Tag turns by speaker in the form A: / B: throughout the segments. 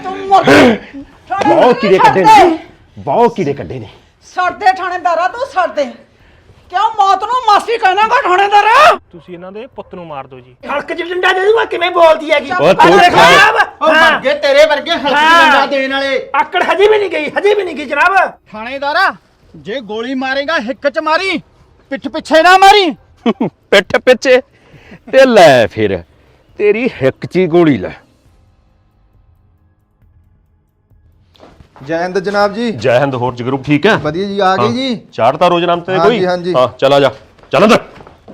A: ਬਹੁਤ ਕੀੜੇ ਕੱਢੇ ਨੇ, ਬਹੁਤ ਕੀੜੇ ਕੱਢੇ ਨੇ।
B: ਸੜਦੇ ਥਾਣੇਦਾਰਾ ਤੂੰ ਸੜਦੇ ਕਿਉਂ ਮੌਤ ਨੂੰ ਮਾਸੀ ਕਹਿਣਾਗਾ ਥਾਣੇਦਾਰਾ?
C: ਤੁਸੀਂ ਇਹਨਾਂ ਦੇ ਪੁੱਤ ਨੂੰ ਮਾਰ ਦਿਓ ਜੀ।
D: ਹਲਕ ਚ ਡੰਡਾ ਦੇ ਦੂੰਗਾ ਕਿਵੇਂ ਬੋਲਦੀ ਹੈਗੀ
A: ਉਹ ਤੂੰ
E: ਵਰਗੇ ਤੇਰੇ ਵਰਗੇ ਹਲਕੀ ਡੰਡਾ ਦੇਣ ਵਾਲੇ।
D: ਆਕੜ ਹਜੇ ਵੀ ਨਹੀਂ ਗਈ ਜਨਾਬ।
E: ਥਾਣੇਦਾਰਾ ਜੇ ਗੋਲੀ ਮਾਰੇਗਾ ਹਿੱਕ ਚ ਮਾਰੀ, ਪਿੱਠ ਪਿੱਛੇ ਨਾ ਮਾਰੀ।
A: ਪਿੱਠ ਪਿੱਛੇ ਤੇ ਲੈ ਫਿਰ ਤੇਰੀ ਹਿੱਕ 'ਚ ਹੀ ਗੋਲੀ ਲੈ।
F: ਜੈ ਹਿੰਦ ਜਨਾਬ ਜੀ।
A: ਜੈ ਹਿੰਦ। ਹੋਰ ਜਗਰੂਪ ਠੀਕ ਹੈ?
F: ਵਧੀਆ ਜੀ, ਆ ਗਏ ਜੀ।
A: ਚਾੜਤਾ ਰੋਜ਼ ਨਾਮ ਤੇ ਕੋਈ?
F: ਹਾਂਜੀ।
A: ਹਾਂ ਚਲ ਆ ਜਾ, ਚੱਲ ਅੰਦਰ।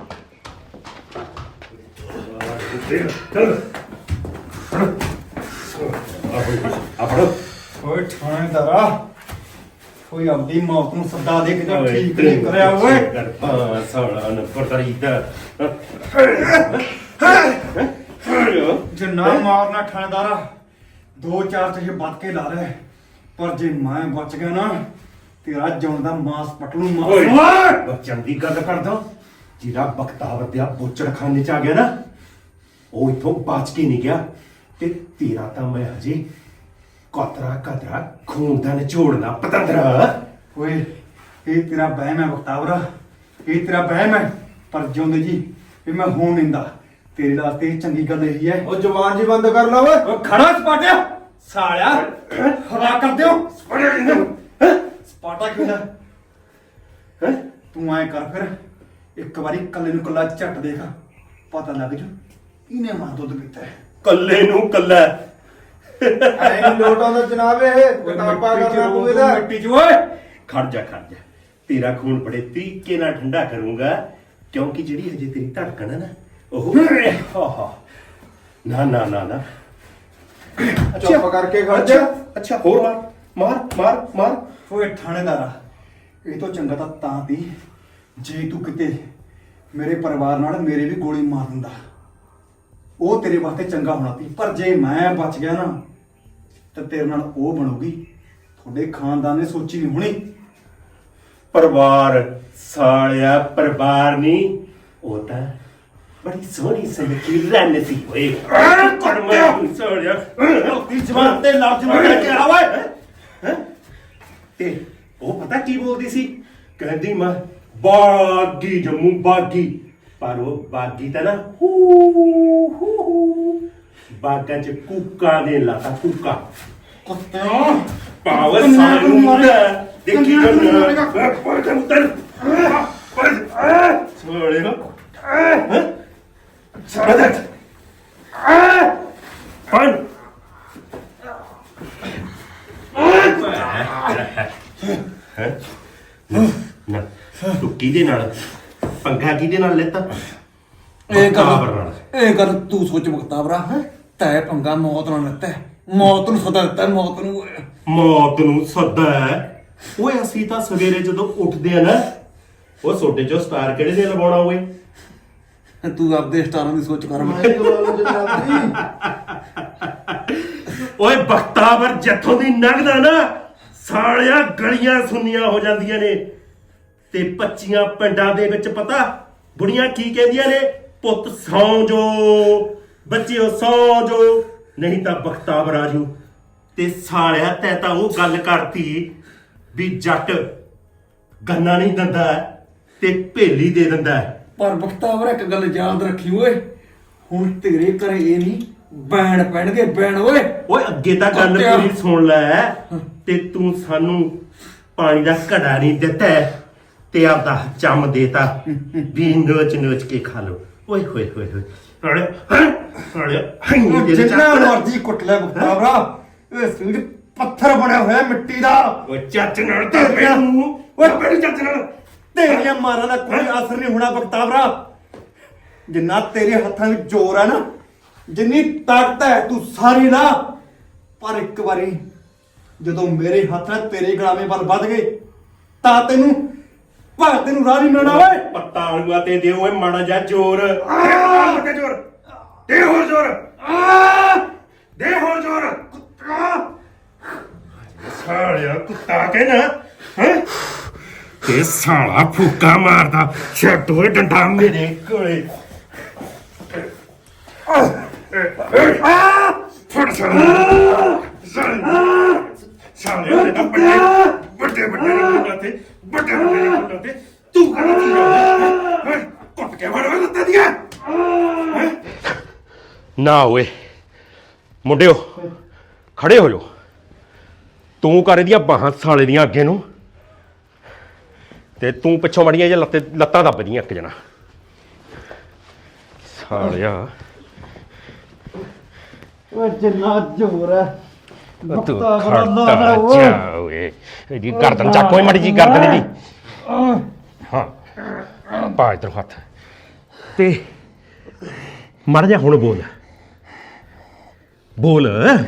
E: ਓਏ ਥਾਣੇਦਾਰਾ ਕੋਈ ਆਪਦੀ ਮੌਤ ਨੂੰ ਸੱਦਾ ਦੇ ਕੇ ਠੀਕ ਨਹੀਂ ਕਰਿਆ ਓਏ।
A: ਸਾਲਾ ਨੰਬਰ ਤਰੀਦਾ
E: ਜਿੰਨਾ ਮਾਰਨਾ ਥਾਣੇਦਾਰਾ 2-4 ਤੇ ਵੱਧ ਕੇ ਲਾ ਲੈ, ਪਰ ਜੇ ਮੈਂ ਬਚ ਗਿਆ ਨਾ ਤੇਰਾ ਜਿਉਣ ਦਾ ਮਾਸ ਪਟਲੂ ਮਾਰ।
G: ਬੱਚਨ ਦੀ ਗੱਲ ਕਰਦਾ, ਜਿਹੜਾ ਬਖਤਾਵਰ ਦੇ ਬੋਚੜਖਾਨੇ ਚ ਆ ਗਿਆ ਨਾ, ਉਹ ਇੱਥੋਂ ਬਚ ਕੇ ਨਹੀਂ ਗਿਆ। ਤੇ ਤੇਰਾ ਤਾਂ ਮੈਂ ਹਜੇ ਕਤਰਾ ਖੂਨ ਦਾ ਨਿਚੋੜਨਾ ਪਤੰਦਰਾ।
E: ਓਏ ਇਹ ਤੇਰਾ ਵਹਿਮ ਹੈ ਬਖਤਾਵਰਾ, ਇਹ ਤੇਰਾ ਵਹਿਮ ਹੈ, ਪਰ ਜਿਉਂਦੇ ਜੀ ਇਹ ਮੈਂ ਹੋਣ ਦਿੰਦਾ। ਤੇਰੇ ਵਾਸਤੇ ਚੰਗੀ ਗੱਲ ਇਹੀ ਹੈ।
F: ਉਹ ਜ਼ੁਬਾਨ ਜੀ ਬੰਦ ਕਰ ਲਾ ਓਏ।
E: ਉਹ ਖੜਾ ਸਪਾਟਿਆ ਸਾਲਿਆ, ਹਵਾ ਕਰ ਦਿਓ ਸਪਾਟਾ ਕਿਉਂ ਹੈ? ਤੂੰ ਐ ਕਰ ਫਿਰ ਇੱਕ ਵਾਰੀ ਕੱਲੇ ਨੂੰ ਕੱਲਾ ਝੱਟ ਦੇਖ, ਪਤਾ ਲੱਗ ਜੂ ਇਹਨੇ ਮਾਂ ਦੁੱਧ ਪੀਤਾ ਹੈ।
G: ਕੱਲੇ ਨੂੰ ਕੱਲਾ
F: ਐ ਨਹੀਂ ਲੋਟ ਆਉਂਦਾ ਜਨਾਬ, ਇਹ ਕਿਤਾਬਾਂ ਕਰਨਾ ਤੂੰ ਇਹਦਾ।
E: ਮਿੱਟੀ ਚ ਓਏ
G: ਖੜ ਜਾ ਤੇਰਾ ਖੂਨ ਬੜੇ ਤਰੀਕੇ ਨਾਲ ਠੰਡਾ ਕਰੂੰਗਾ, ਕਿਉਂਕਿ ਜਿਹੜੀ ਹਜੇ ਤੇਰੀ ਧੜਕਣ ਹੈ ਨਾ ਉਹ ਨਾ
F: ਚੁੱਪ ਕਰਕੇ ਖੜ ਜਾ।
G: ਅੱਛਾ ਹੋਰ ਮਾਰ।
E: ਓਏ ਥਾਣੇਦਾਰਾ ਇਹ ਤੋਂ ਚੰਗਾ ਤਾਂ ਤੀ ਜੇ ਤੂੰ ਕਿਤੇ ਮੇਰੇ ਪਰਿਵਾਰ ਨਾਲ ਮੇਰੇ ਵੀ ਗੋਲੀ ਮਾਰ ਦਿੰਦਾ, ਉਹ ਤੇਰੇ ਵਾਸਤੇ ਚੰਗਾ ਹੋਣਾ ਸੀ। ਪਰ ਜੇ ਮੈਂ ਬਚ ਗਿਆ ਨਾ ਤਾਂ ਤੇਰੇ ਨਾਲ ਉਹ ਬਣੂਗੀ ਤੁਹਾਡੇ ਖਾਨਦਾਨ ਨੇ ਸੋਚੀ ਨਹੀਂ ਹੋਣੀ।
G: ਪਰਿਵਾਰ ਸਾਲਿਆ, ਪਰਿਵਾਰ ਨਹੀਂ, ਉਹ ਤਾਂ ਬੜੀ ਸੋਹਣੀ ਸੁਨੱਖੀ ਰੰਨ ਸੀ ਓਏ। ਕਰਮਾ ਸਾਲਿਆ
E: ਦੀ ਜ਼ਬਾਨ ਤੇ ਲਫ਼ਜ਼ ਨੂੰ ਲੈ ਕੇ ਆ ਓਏ।
G: ਤੇ ਉਹ ਪਤਾ ਕੀ ਬੋਲਦੀ ਸੀ? ਕਹਿੰਦੀ ਮੈਂ ਬਾਗੀ ਜੰਮੂ ਬਾਗੀ, ਪਰ ਉਹ ਬਾਗੀ ਤਾਂ ਨਾ ਬਾਗਾ ਚ ਕੂਕਾ ਦੇ ਲਾਤਾ ਕੂਕਾ।
E: ਕੁੱਤਿਆਂ
G: ਪਾਵਰ ਸਾਨੂੰ ਮਾਰਿਆ ਦੇਖੀ ਜੰਨਾ ਪਰ ਕੰਤਰ ਸੋਲੇ ਨਾ ਸਾਦਤ ਫਨ ਨਾ ਤੂੰ ਕਿਹਦੇ ਨਾਲ ਪੰਗਾ ਕਿਹਦੇ ਨਾਲ ਲੈਤਾ?
E: ਇਹ
G: ਬਖਤਾਵਰ ਨਾਲ।
E: ਗੱਲ ਤੂੰ ਸੋਚ ਬਖਤਾਵਰਾ, ਤੈ ਪੰਗਾ ਮੌਤ ਨਾਲ ਲੱਤਾ, ਮੌਤ ਨੂੰ ਸਦਾ ਦਿੱਤਾ,
G: ਮੌਤ ਨੂੰ ਸੱਦਾ ਹੈ ਓਏ। ਅਸੀਂ ਤਾਂ ਸਵੇਰੇ ਜਦੋਂ ਉੱਠਦੇ ਆ ਨਾ, ਉਹ ਸੋਡੇ ਚੋਂ ਸਟਾਰ ਕਿਹੜੇ ਦੇ ਲਵਾਉਣਾ ਓਏ?
E: ਤੂੰ ਆਪਦੇ ਸਟਾਰਾਂ ਦੀ ਸੋਚ ਕਰ।
F: ਮੈਂ ਜਨਾਬ ਜੀ।
G: ਓਏ ਬਖਤਾਵਰ ਜਿੱਥੋਂ ਦੀ ਲੰਘਦਾ ਨਾ, ਸਾਲਿਆ ਗਲੀਆਂ ਸੁੰਨੀਆਂ ਹੋ ਜਾਂਦੀਆਂ ਨੇ। ਤੇ 25 ਪਿੰਡਾਂ ਦੇ ਵਿੱਚ ਪਤਾ ਬੁੜੀਆਂ ਕੀ ਕਹਿੰਦੀਆਂ ਨੇ? ਪੁੱਤ ਸੌਂ ਜੋ, ਬੱਚਿਓ ਸੌਂ ਜੋ, ਨਹੀਂ ਤਾਂ ਬਖਤਾਵਰ ਆਜੂ। ਤੇ ਸਾਲਿਆ ਤੈ ਤਾਂ ਉਹ ਗੱਲ ਕਰਤੀ ਵੀ ਜੱਟ ਗੰਨਾ ਨਹੀਂ ਦਿੰਦਾ ਤੇ ਭੇਲੀ ਦੇ ਦਿੰਦਾ।
E: ਪਰ ਬਖਤਾਵਰ ਇੱਕ ਗੱਲ ਯਾਦ ਰੱਖੀ ਓਏ, ਹੁਣ ਤੇਰੇ ਘਰੇ ਇਹ ਨਹੀਂ ਬੈਣ ਪੈਣਗੇ, ਬੈਣ ਓਏ।
G: ਓਏ ਅੱਗੇ ਤਾਂ ਗੱਲ ਪੂਰੀ ਸੁਣ ਲੈ। ਤੇ ਤੂੰ ਸਾਨੂੰ ਪਾਣੀ ਦਾ ਘੜਾ ਨਹੀਂ ਦਿੱਤਾ ਤੇ ਆਪਦਾ ਚੰਮ ਦੇਤਾ ਵੀ ਨੋਚ ਕੇ ਖਾ ਲੋ। ਓਏ ਹੋਏ
E: ਜਿੰਨਾ ਮਰਜ਼ੀ ਕੁੱਟ ਲੈ ਬਖਤਾਵਰਾ, ਇਹ ਸਰੀਰ ਪੱਥਰ ਬਣਿਆ ਹੋਇਆ ਮਿੱਟੀ ਦਾ।
G: ਓਏ ਚੱਜ ਨਾਲ ਤਾਂ ਮੈਨੂੰ ਓਏ ਬੜੀ ਚੱਜ ਨਾਲ
E: ਤੇਰੀਆਂ ਮਾਰਾਂ ਦਾ ਕੋਈ ਅਸਰ ਨਹੀਂ ਹੋਣਾ ਬਖਤਾਵਰਾ। ਜਿੰਨਾ ਤੇਰੇ ਹੱਥਾਂ ਵਿੱਚ ਜ਼ੋਰ ਹੈ ਨਾ, ਜਿੰਨੀ ਤਾਕਤ ਹੈ, ਤੂੰ ਸਾਰੀ ਲਾ। ਪਰ ਇੱਕ ਵਾਰੀ ਜਦੋਂ ਮੇਰੇ ਹੱਥ ਨਾਲ ਤੇਰੇ ਗਲਾਵੇਂ ਵੱਲ ਵੱਧ ਗਏ ਤਾਂ ਤੈਨੂੰ ਰਾਹ ਨਹੀਂ ਮਿਲਣਾ ਓਏ।
G: ਪੱਤਾ ਆਲੂਆ ਤੇ ਦਿਓ ਓਏ ਮਾੜਾ ਜਿਹਾ ਜ਼ੋਰ। ਜ਼ੋਰ ਦੇ ਹੋਰ ਜ਼ੋਰ, ਦੇ ਹੋਰ ਜ਼ੋਰ। ਸਾਲਿਆ ਕੁੱਤਾ ਕਹਿਣਾ ਹੈ ਤੇ ਸਾਲਾ ਫੂਕਾ ਮਾਰਦਾ। ਛੱਡ ਓਏ ਡੰਡਾ ਮੇਰੇ ਕੋਲੇ। ਫੜ ਸਾਲਾ ਸਾਲਿਆ ਦੇ ਤਾਂ ਵੱਡੇ ਵੱਡੇ ਮੁੰਡਾ ਤੇ ਵੱਡੇ ਮੁੰਡਾ ਤੇ ਤੂੰ ਕਰਦੀ ਹੈ ਕੁੱਟ ਕੇ ਵੜਵਾ ਦਿੱਤਾ ਦੀਆਂ
A: ਨਾ ਓਏ ਮੁੰਡਿਓ ਖੜੇ ਹੋ ਜਾਓ। ਤੂੰ ਕਰ ਇਹਦੀਆਂ ਬਾਹਾਂ ਸਾਲੇ ਦੀਆਂ ਅੱਗੇ ਨੂੰ ਤੇ ਤੂੰ ਪਿੱਛੋਂ ਮੜੀਆਂ ਜਾਂ ਲੱਤਾਂ ਦੱਬਦੀਆਂ ਇੱਕ ਜਣਾ ਸਾਲਿਆ।
F: ਓਏ ਜਿੰਨਾ ਜ਼ੋਰ ਹੈ
A: ਤੂੰ
F: ਬਖਤਾ
A: ਖੜਦਾ ਜਾ ਓਏ ਇਹਦੀ ਗਰਦਨ ਚੱਕ ਓਏ ਮੜੀ ਜੀ ਗਰਦਨ ਇਹਦੀ ਹਾਂ ਪਾ ਇਧਰ ਹੱਥ ਤੇ ਮਰ ਜਾ ਹੁਣ ਬੋਲ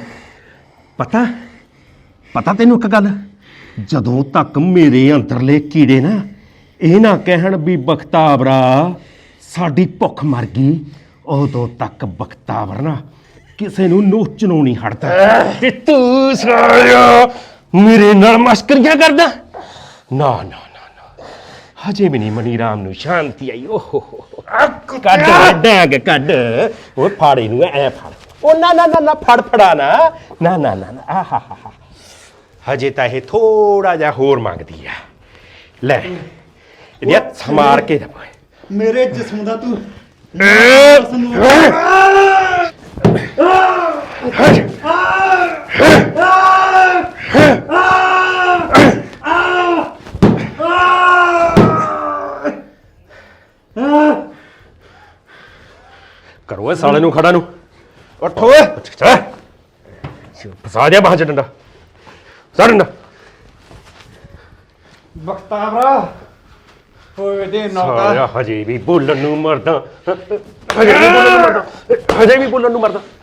A: ਪਤਾ ਤੈਨੂੰ ਇੱਕ ਗੱਲ ਜਦੋਂ ਤੱਕ ਮੇਰੇ ਅੰਦਰਲੇ ਕੀੜੇ ਨਾ ਇਹ ਨਾ ਕਹਿਣ ਵੀ ਬਖਤਾਵਰਾ ਸਾਡੀ ਭੁੱਖ ਮਰ ਗਈ ਉਦੋਂ ਤੱਕ ਬਖਤਾਵਰ ਨਾ ਕਿਸੇ ਨੂੰ ਨੋਚਣੋਂ ਨਹੀਂ ਹਟਦਾ। ਤੇ ਤੂੰ ਸਾਲਿਆ ਮੇਰੇ ਨਾਲ ਮਸਕਰੀਆਂ ਕਰਦਾ ਨਾ ਹਜੇ ਵੀ ਨਹੀਂ ਮਨੀ ਰਾਮ ਨੂੰ ਸ਼ਾਂਤੀ ਆਈ। ਓਹੋ ਕੱਢ ਡੈਗ ਕੱਢ ਉਹ ਫਾੜੇ ਨੂੰ ਐ ਫੜ ਉਹ ਨਾ ਫੜਾ ਨਾ ਆਹਾ ਹਜੇ ਤਾਂ ਇਹ ਥੋੜਾ ਜਿਹਾ ਹੋਰ ਮੰਗਦੀ ਆ। ਲੈ ਇਹਦੀ ਸਮਾਰ ਕੇ ਦਬਾ
E: ਮੇਰੇ ਜਿਸਮ ਦਾ ਤੂੰ
A: ਕਰੋ ਇਹ ਸਾਲੇ ਨੂੰ ਖੜਾ ਨੂੰ
E: ਉੱਠ ਓਏ
A: ਫਸਾ ਦਿਆ ਬਾਹਾਂ ਚ ਡੰਡਾ ਡੰਡਾ
F: ਬਖਤਾਵਰਾ ਓਏ ਦੇ
A: ਸਾਲਿਆ
F: ਨੌਕਾ
A: ਹਜੇ ਵੀ ਬੋਲਣ ਨੂੰ ਮਰਦਾ ਹਜੇ ਵੀ ਬੋਲਣ ਨੂੰ ਮਰਦਾ